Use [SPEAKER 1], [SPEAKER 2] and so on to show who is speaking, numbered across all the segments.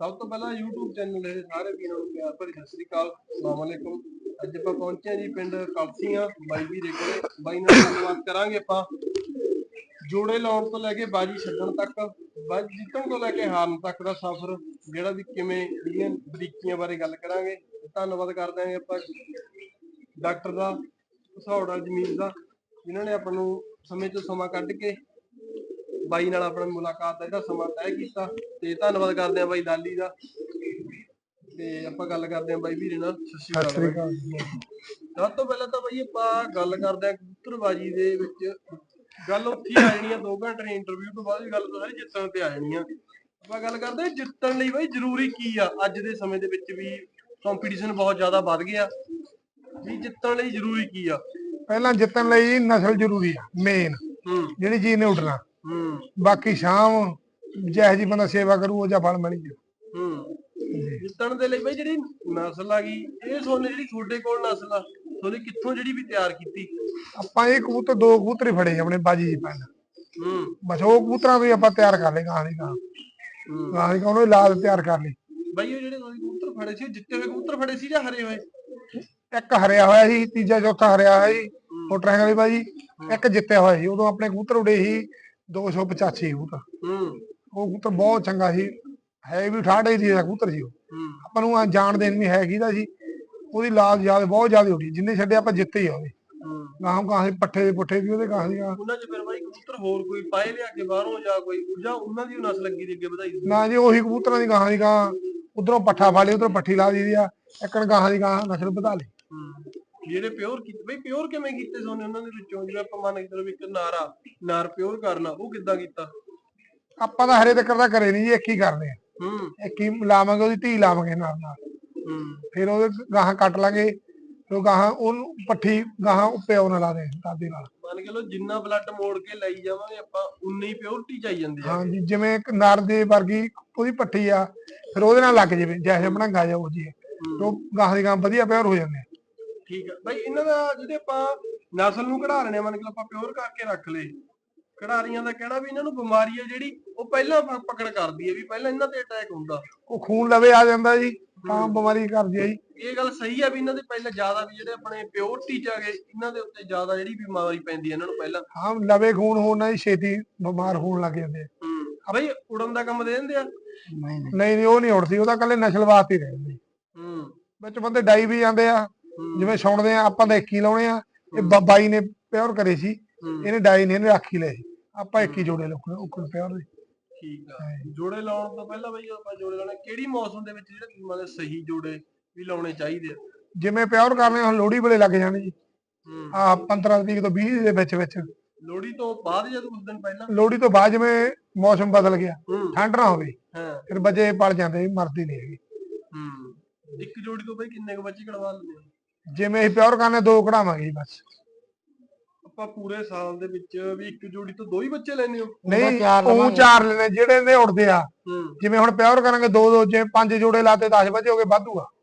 [SPEAKER 1] ਸਭ ਤੋਂ ਪਹਿਲਾਂ YouTube ਚੈਨਲ ਦੇ ਸਾਰੇ ਵੀਰਾਂ ਨੂੰ ਪਿਆਰ ਭਰੀ ਸਤਿ ਸ੍ਰੀ ਅਕਾਲ, ਅਸਲਾਮ ਅਲੈਕੁਮ। ਅੱਜ ਆਪਾਂ ਪਹੁੰਚੇ ਹਾਂ ਜੀ ਪਿੰਡ ਕਲਸੀਆਂ ਬਾਈ ਵੀਰੇ ਕੋਲੇ। ਬਾਈ ਨਾਲ ਗੱਲਬਾਤ ਕਰਾਂਗੇ ਆਪਾਂ ਜੋੜੇ ਲਾਉਣ ਤੋਂ ਲੈ ਕੇ ਬਾਜੀ ਛੱਡਣ ਤੱਕ, ਬਾਜੀ ਜਿੱਤਣ ਤੋਂ ਲੈ ਕੇ ਹਾਰਨ ਤੱਕ ਦਾ ਸਫ਼ਰ ਜਿਹੜਾ ਵੀ ਕਿਵੇਂ ਜਿਹੜੀਆਂ ਬਰੀਕੀਆਂ ਬਾਰੇ ਗੱਲ ਕਰਾਂਗੇ। ਧੰਨਵਾਦ ਕਰਦੇ ਹਾਂ ਆਪਾਂ ਡਾਕਟਰ ਦਾ, ਘਸੌੜਾ ਜ਼ਮੀਨ ਦਾ, ਜਿਨ੍ਹਾਂ ਨੇ ਆਪਾਂ ਨੂੰ ਸਮੇਂ ਤੋਂ ਸਮਾਂ ਕੱਢ ਕੇ ਬਾਈ ਨਾਲ ਆਪਣੀ ਮੁਲਾਕਾਤ ਦਾ ਜਿਹੜਾ ਸਮਾਂ ਤੈਅ ਕੀਤਾ। ਤੇ ਧੰਨਵਾਦ ਕਰਦੇ ਆ ਬਾਈ ਦਾਲੀ ਦਾ। ਤੇ ਆਪਾਂ ਗੱਲ ਕਰਦੇ ਆ ਬਾਈ ਵੀਰੇ ਨਾਲ। ਸਤਿ ਸ਼੍ਰੀ ਅਕਾਲ। ਸਭ ਤੋਂ ਪਹਿਲਾਂ ਤਾਂ ਬਾਈ ਆਪਾਂ ਗੱਲ ਕਰਦੇ ਆ ਕਬੂਤਰਬਾਜੀ ਦੇ ਵਿੱਚ। ਗੱਲ ਉੱਥੇ ਆ ਜਾਣੀ ਆ 2 ਘੰਟੇ ਦੀ ਇੰਟਰਵਿਊ ਤੋਂ ਬਾਅਦ ਵੀ ਗੱਲ ਸਾਰੀ ਜਿੱਤਣ ਤੇ ਆ ਜਾਣੀ ਆ। ਆਪਾਂ ਗੱਲ ਕਰਦੇ ਜਿੱਤਣ ਲਈ ਬਾਈ ਜ਼ਰੂਰੀ ਕੀ ਆ। ਅੱਜ ਦੇ ਸਮੇਂ ਦੇ ਵਿੱਚ ਵੀ ਕੰਪੀਟੀਸ਼ਨ ਬਹੁਤ ਜ਼ਿਆਦਾ ਵੱਧ ਗਿਆ, ਵੀ ਜਿੱਤਣ ਲਈ ਜ਼ਰੂਰੀ ਕੀ ਆ?
[SPEAKER 2] ਪਹਿਲਾਂ ਜਿੱਤਣ ਲਈ ਨਸਲ ਜ਼ਰੂਰੀ ਆ, ਮੇਨ ਜਿਹੜੀ ਚੀਜ਼ ਨੇ ਉੱਡਣਾ। ਬਾਕੀ ਸ਼ਾਮ ਜਿਹੋ ਜੀ ਬੰਦਾ ਸੇਵਾ ਕਰੂ ਉਹ ਜਾਂ ਫਲ ਮਿਲ ਜੂ।
[SPEAKER 1] ਜਿੱਤਣ ਦੇ ਲਈ ਬਈ ਜਿਹੜੀ ਨਸਲ ਆ ਗਈ, ਇਹ ਸੋਨੇ ਜਿਹੜੀ ਤੁਹਾਡੇ ਕੋਲ ਨਸਲ ਆ, ਤੁਹਾਡੇ ਕਿੱਥੋਂ ਜਿਹੜੀ ਵੀ ਤਿਆਰ ਕੀਤੀ?
[SPEAKER 2] ਆਪਾਂ ਇਹ ਕਬੂਤਰ 2 ਕਬੂਤਰ ਹੀ ਫੜੇ ਆਪਣੇ ਬਾਜੀ ਜੀ ਪਿੰਡ। ਬਸ ਉਹ ਕਬੂਤਰਾਂ ਵੀ ਆਪਾਂ ਤਿਆਰ ਕਰ ਲਏ ਗਾਂ ਦੀ ਗਾਂ ਉਹਨੂੰ ਲਾਦ ਤਿਆਰ ਕਰ ਲਈ।
[SPEAKER 1] ਬਈ ਉਹ ਜਿਹੜੇ ਤੁਸੀਂ ਕਬੂਤਰ ਫੜੇ ਸੀ, ਜਿੱਤੇ ਹੋਏ ਕਬੂਤਰ ਫੜੇ ਸੀ ਜਾਂ ਹਰੇ ਹੋਏ?
[SPEAKER 2] ਇੱਕ ਹਰਿਆ ਹੋਇਆ ਸੀ, ਤੀਜਾ ਚੌਥਾ ਹਰਿਆ ਹੋਇਆ ਸੀ ਮੋਟਰਾਂ ਵਾਲੀ ਬਾਜੀ। ਇੱਕ ਜਿੱਤਿਆ ਹੋਇਆ ਸੀ। ਉਦੋਂ ਆਪਣੇ ਕਬੂਤਰ ਉਡੇ ਸੀ 285 ਕਬੂਤਰ। ਉਹ ਕਬੂਤਰ ਬਹੁਤ ਚੰਗਾ ਸੀ, ਹੈ ਵੀ 68 ਦੀ ਕਬੂਤਰ ਸੀ। ਉਹ ਆਪਾਂ ਨੂੰ ਜਾਣਦੇ ਨਹੀਂ ਹੈ ਕਿਹਦਾ ਸੀ। ਉਹਦੀ ਲਾਜ ਯਾਦ ਬਹੁਤ ਜ਼ਿਆਦਾ ਉੱਡੀ, ਜਿੰਨੇ ਛੱਡੇ ਆਪਾਂ ਜਿੱਤੇ ਹੀ ਆ ਉਹਦੇ। ਗਾਂ ਪੱਠੇ ਦੇ ਪੁੱਠੇ ਵੀ ਉਹਦੇ ਗਾਂ ਦੀ
[SPEAKER 1] ਉਹਨਾਂ ਚ ਫਿਰ ਬਾਈ ਕਬੂਤਰ ਹੋਰ ਕੋਈ ਪਾਏ ਲਿਆ ਕੇ ਬਾਹਰੋਂ ਜਾਂ ਕੋਈ ਜਾਂ ਉਹਨਾਂ ਦੀ ਨਸਲ ਲੱਗੀ ਦੀ ਅੱਗੇ ਵਧਾਈ?
[SPEAKER 2] ਨਾ ਜੀ, ਉਹੀ ਕਬੂਤਰਾਂ ਦੀ ਗਾਂ ਦੀ ਗਾਂ, ਉਧਰੋਂ ਪੱਠਾ ਫੜ ਲਈ, ਉਧਰੋਂ ਪੱਠੀ ਲਾ ਦੀ ਆ। ਇੱਕਣ ਗਾਂ ਦੀ ਗਾਂ ਨਸਲ ਵਧਾ ਲਈ।
[SPEAKER 1] ਜਿਹੜੇ ਪਿਓਰ ਕੀਤੇ ਬਈ, ਪਿਓਰ ਕਿਵੇਂ ਕੀਤੇ ਸੋਨੇ ਉਹਨਾਂ ਦੇ ਵਿੱਚੋਂ? ਜਿਵੇਂ ਆਪਾਂ ਮੰਨ ਕੇ ਚਲੋ ਇੱਕ ਨਾਰ ਪਿਓਰ ਕਰਨਾ, ਉਹ ਕਿੱਦਾਂ ਕੀਤਾ?
[SPEAKER 2] ਆਪਾਂ ਤਾਂ ਹਰੇ ਤੱਕ ਦਾ ਕਰੇ ਨਹੀਂ ਜੀ, ਇੱਕ ਹੀ ਕਰਦੇ ਆ। ਇੱਕ ਹੀ ਲਾਵਾਂਗੇ, ਉਹਦੀ ਧੀ ਲਾਵਾਂਗੇ ਨਾਲ। ਫਿਰ ਉਹਦੇ ਗਾਹਾਂ ਕੱਟ ਲਾਂਗੇ, ਫਿਰ ਗਾਹਾਂ ਉਹਨੂੰ ਪੱਠੀ ਗਾਹਾਂ ਪਿਓ ਨਾਲ ਲਾ ਦੇ ਦਾਦੀ ਨਾਲ।
[SPEAKER 1] ਮੰਨ ਕੇ ਲੋ ਜਿੰਨਾ ਬਲੱਡ ਮੋੜ ਕੇ ਲਈ ਜਾਵਾਂਗੇ ਆਪਾਂ, ਉਨੀ ਪਿਓਰਟੀ ਚਾਈ ਜਾਂਦੀ ਆ।
[SPEAKER 2] ਹਾਂਜੀ, ਜਿਵੇਂ ਇੱਕ ਨਰ ਦੇ ਵਰਗੀ ਉਹਦੀ ਪੱਠੀ ਆ, ਫਿਰ ਉਹਦੇ ਨਾਲ ਲੱਗ ਜਾਵੇ ਜੈਸੇ ਬਣਾਂਗਾ ਜਾ ਉਹ ਜੀ, ਉਹ ਗਾਹਾਂ ਦੀ ਗਾਂ ਵਧੀਆ ਪਿਓਰ ਹੋ ਜਾਂਦੇ ਆ।
[SPEAKER 1] ਠੀਕ ਆ ਬਾਈ, ਇਹਨਾਂ ਦਾ ਜਿਹੜੇ ਆਪਾਂ ਨਸਲ ਨੂੰ ਕਢਾ ਲੈਣੇ, ਮੰਨ ਕੇ ਆਪਾਂ ਪਿਓਰ ਕਰਕੇ ਰੱਖ ਲਏ, ਖਿਡਾਰੀਆਂ ਦਾ ਕਹਿਣਾ ਵੀ ਇਹਨਾਂ ਨੂੰ ਬਿਮਾਰੀ ਆ ਜਿਹੜੀ ਉਹ ਪਹਿਲਾਂ ਪਕੜ ਕਰਦੀ ਹੈ, ਵੀ ਪਹਿਲਾਂ ਇਹਨਾਂ ਤੇ ਅਟੈਕ ਹੁੰਦਾ,
[SPEAKER 2] ਉਹ ਖੂਨ ਲਵੇ ਆ ਜਾਂਦਾ ਜੀ, ਤਾਂ ਬਿਮਾਰੀ ਕਰਦੀ ਆ ਜੀ।
[SPEAKER 1] ਇਹ ਗੱਲ ਸਹੀ ਆ ਵੀ ਇਹਨਾਂ ਦੇ ਪਹਿਲਾਂ ਜ਼ਿਆਦਾ ਵੀ ਜਿਹੜੇ ਆਪਣੇ ਪਿਓਰਟੀ ਚ ਆ ਗਏ, ਇਹਨਾਂ ਦੇ ਉੱਤੇ ਜ਼ਿਆਦਾ ਜਿਹੜੀ ਬਿਮਾਰੀ ਪੈਂਦੀ ਹੈ ਇਹਨਾਂ ਨੂੰ ਪਹਿਲਾਂ।
[SPEAKER 2] ਹਾਂ, ਲਵੇ ਖੂਨ ਹੋਣ ਨਾਲ ਛੇਤੀ ਬਿਮਾਰ ਹੋਣ ਲੱਗ ਜਾਂਦੇ ਆ।
[SPEAKER 1] ਬਾਈ ਉੜਨ ਦਾ ਕੰਮ ਦੇ ਦਿੰਦੇ ਆ?
[SPEAKER 2] ਨਹੀਂ, ਉਹ ਨਹੀਂ ਉੜਦੀ, ਉਹ ਤਾਂ ਕੱਲੇ ਨਸਲ ਵਾਸਤੇ ਹੀ ਰਹਿੰਦੇ। ਵਿੱਚ ਬੰਦੇ ਡਾਈ ਵੀ ਜਾਂਦੇ ਆ, ਜਿਵੇਂ ਸੁਣਦੇ ਆ ਆਪਾਂ ਤਾਂ 1 ਹੀ ਲਾਉਣੇ ਆ। ਇਹ ਬਾਈ ਨੇ ਪਿਓਰ ਕਰੇ ਸੀ, ਇਹਨੇ ਡਾਈ ਨੇ, ਇਹਨੇ ਰਾਖੀ ਲਏ ਸੀ। ਆਪਾਂ 1 ਹੀ ਜੋੜੇ ਉੱਕਣ ਪਿਓਰ ਦੇ।
[SPEAKER 1] ਠੀਕ ਆ। ਜੋੜੇ ਲਾਉਣ ਤੋਂ ਪਹਿਲਾਂ ਬਈ ਆਪਾਂ ਜੋੜੇ ਲਾਉਣੇ ਕਿਹੜੀ ਮੌਸਮ ਦੇ ਵਿੱਚ, ਜਿਹੜੇ ਮਤਲਬ ਸਹੀ ਜੋੜੇ ਵੀ ਲਾਉਣੇ ਚਾਹੀਦੇ ਆ?
[SPEAKER 2] ਜਿਵੇਂ ਪਿਓਰ ਕਰਨੇ ਹੁਣ ਲੋਹੜੀ ਵੇਲੇ ਲੱਗ ਜਾਣੇ ਜੀ। 15 ਤਰੀਕ ਤੋਂ 20 ਦੇ ਵਿੱਚ।
[SPEAKER 1] ਲੋਹੜੀ ਤੋਂ ਬਾਅਦ ਜਾਂ ਕੁਝ ਦਿਨ ਪਹਿਲਾਂ?
[SPEAKER 2] ਲੋਹੜੀ ਤੋਂ ਬਾਅਦ, ਜਿਵੇਂ ਮੌਸਮ ਬਦਲ ਗਿਆ, ਠੰਡ ਨਾ ਹੋਵੇ, ਫਿਰ ਬੱਚੇ ਪਲ ਜਾਂਦੇ, ਮਰਦੀ ਨਹੀਂ ਹੈਗੀ।
[SPEAKER 1] ਇੱਕ ਜੋੜੀ ਤੋਂ ਬਈ ਕਿੰਨੇ ਕੁ ਬੱਚੇ ਕਢਵਾ ਲੈਂਦੇ ਹੋ?
[SPEAKER 2] ਜਿਵੇਂ ਅਸੀਂ ਪਿਓਰ ਕਰਨੇ 2 ਕਢਾਵਾਂਗੇ ਜੀ ਬਸ।
[SPEAKER 1] ਆਪਾਂ ਪੂਰੇ ਸਾਲ ਦੇ ਵਿੱਚ ਵੀ ਇੱਕ ਜੋੜੀ ਤੋਂ 2 ਹੀ ਬੱਚੇ ਲੈਣੇ ਹੋ?
[SPEAKER 2] ਨਹੀਂ, ਉਹ 4 ਲੈਣੇ ਜਿਹੜੇ ਨੇ ਉੜਦੇ ਆ। ਜਿਵੇਂ ਹੁਣ ਪਿਓਰ ਕਰਾਂਗੇ 2 ਜੇ 5 ਜੋੜੇ ਲਾਤੇ 10 ਬੱਚੇ ਹੋ ਗਏ, ਵਾਧੂ ਆ।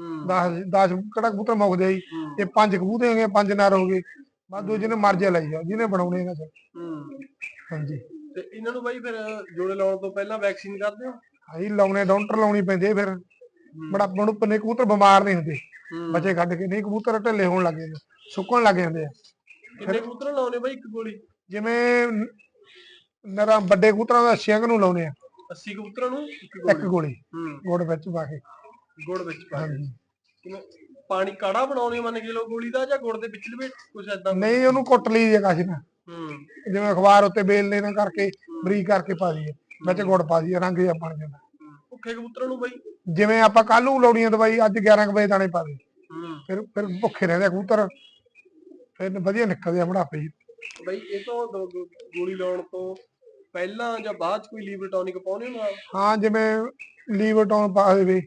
[SPEAKER 2] 10 ਕਿਹੜਾ ਕਬੂਤਰ ਮੁੱਕਦੇ ਜੀ, ਇਹ 5 ਕਬੂਤਰ ਹੋ ਗਏ, 5 ਨਰ ਹੋ ਗਏ, ਵਾਧੂ। ਜਿਹਨੇ ਮਰਜ਼ੀ ਲਈ ਜਾਓ, ਜਿਹਨੇ ਬਣਾਉਣੇ ਇਹਨਾਂ ਚ। ਹਾਂਜੀ।
[SPEAKER 1] ਤੇ ਇਹਨਾਂ ਨੂੰ ਬਾਈ ਫਿਰ ਜੋੜੇ ਲਾਉਣ ਤੋਂ ਪਹਿਲਾਂ ਵੈਕਸੀਨ ਕਰਦੇ ਹੋ?
[SPEAKER 2] ਹਾਂਜੀ, ਲਾਉਣੇ, ਡਾਕਟਰ ਲਾਉਣੀ ਪੈਂਦੀ ਫਿਰ। ਬੜਾ ਪਨੇ ਕਬੂਤਰ ਬਿਮਾਰ ਨਹੀਂ ਹੁੰਦੇ, ਬੱਚੇ ਕੱਢ ਕੇ ਨਹੀਂ ਕਬੂਤਰ ਢਿੱਲੇ ਹੋਣ ਲੱਗ ਜਾਂਦੇ, ਸੁੱਕਣ ਲੱਗ ਜਾਂਦੇ ਆ।
[SPEAKER 1] ਕਿੰਨੇ ਕਬੂਤਰ ਲਾਉਣੇ ਬਾਈ ਇੱਕ ਗੋਲੀ?
[SPEAKER 2] ਜਿਵੇਂ ਨਰਾਂ ਵੱਡੇ ਕਬੂਤਰਾਂ ਦਾ 80 ਨੂੰ ਲਾਉਣੇ ਆ।
[SPEAKER 1] 80 ਕਬੂਤਰਾਂ ਨੂੰ
[SPEAKER 2] ਇੱਕ ਗੋਲੀ ਗੁੜ ਵਿੱਚ ਪਾ ਕੇ।
[SPEAKER 1] ਗੁੜ ਵਿੱਚ ਪਾ ਕੇ? ਕਿਵੇਂ ਪਾਣੀ ਕਾੜਾ ਬਣਾਉਣੇ ਮੰਨ ਕੇ ਲੋ ਗੋਲੀ ਦਾ, ਜਾਂ ਗੁੜ ਦੇ ਵਿੱਚ ਲਵੇ ਕੁਝ ਏਦਾਂ?
[SPEAKER 2] ਨਹੀਂ, ਉਹਨੂੰ ਕੁੱਟ ਲਈ ਜੇ ਕਾਸ਼ ਨਾ, ਜਿਵੇਂ ਅਖਬਾਰ ਉੱਤੇ ਬੇਲਣੇ ਨਾਲ ਕਰਕੇ ਬਰੀਕ ਕਰਕੇ ਪਾ ਦਈਏ, ਵਿੱਚ ਗੁੜ ਪਾ ਦਈਏ, ਰੰਗ ਜਿਹਾ ਬਣ ਜਾਂਦਾ।
[SPEAKER 1] ਭੁੱਖੇ ਕਬੂਤਰਾਂ ਨੂੰ ਬਾਈ
[SPEAKER 2] ਜਿਵੇਂ ਆਪਾਂ ਕੱਲ ਨੂੰ ਲਾਉਣੀ ਆ ਦਵਾਈ, ਅੱਜ 11 ਵਜੇ ਦਾਣੇ ਪਾ ਦੇ, ਫਿਰ ਭੁੱਖੇ ਰਹਿੰਦੇ ਕਬੂਤਰ, ਫਿਰ ਵਧੀਆ ਨਿਕਲਦੇ ਆ ਬੁਢਾਪੇ ਜੀ।
[SPEAKER 1] ਬਈ ਇਹ ਤੋਂ ਗੋਲੀ ਲਾਉਣ ਤੋਂ ਪਹਿਲਾਂ ਜਾਂ ਬਾਅਦ ਚ ਕੋਈ ਲੀਵਰ ਟੌਨਿਕ ਪਾਉਣੇ ਨਾਲ?
[SPEAKER 2] ਹਾਂ, ਜਿਵੇਂ ਲੀਵਰ ਟੌਨ ਪਾ ਦੇਵੇ,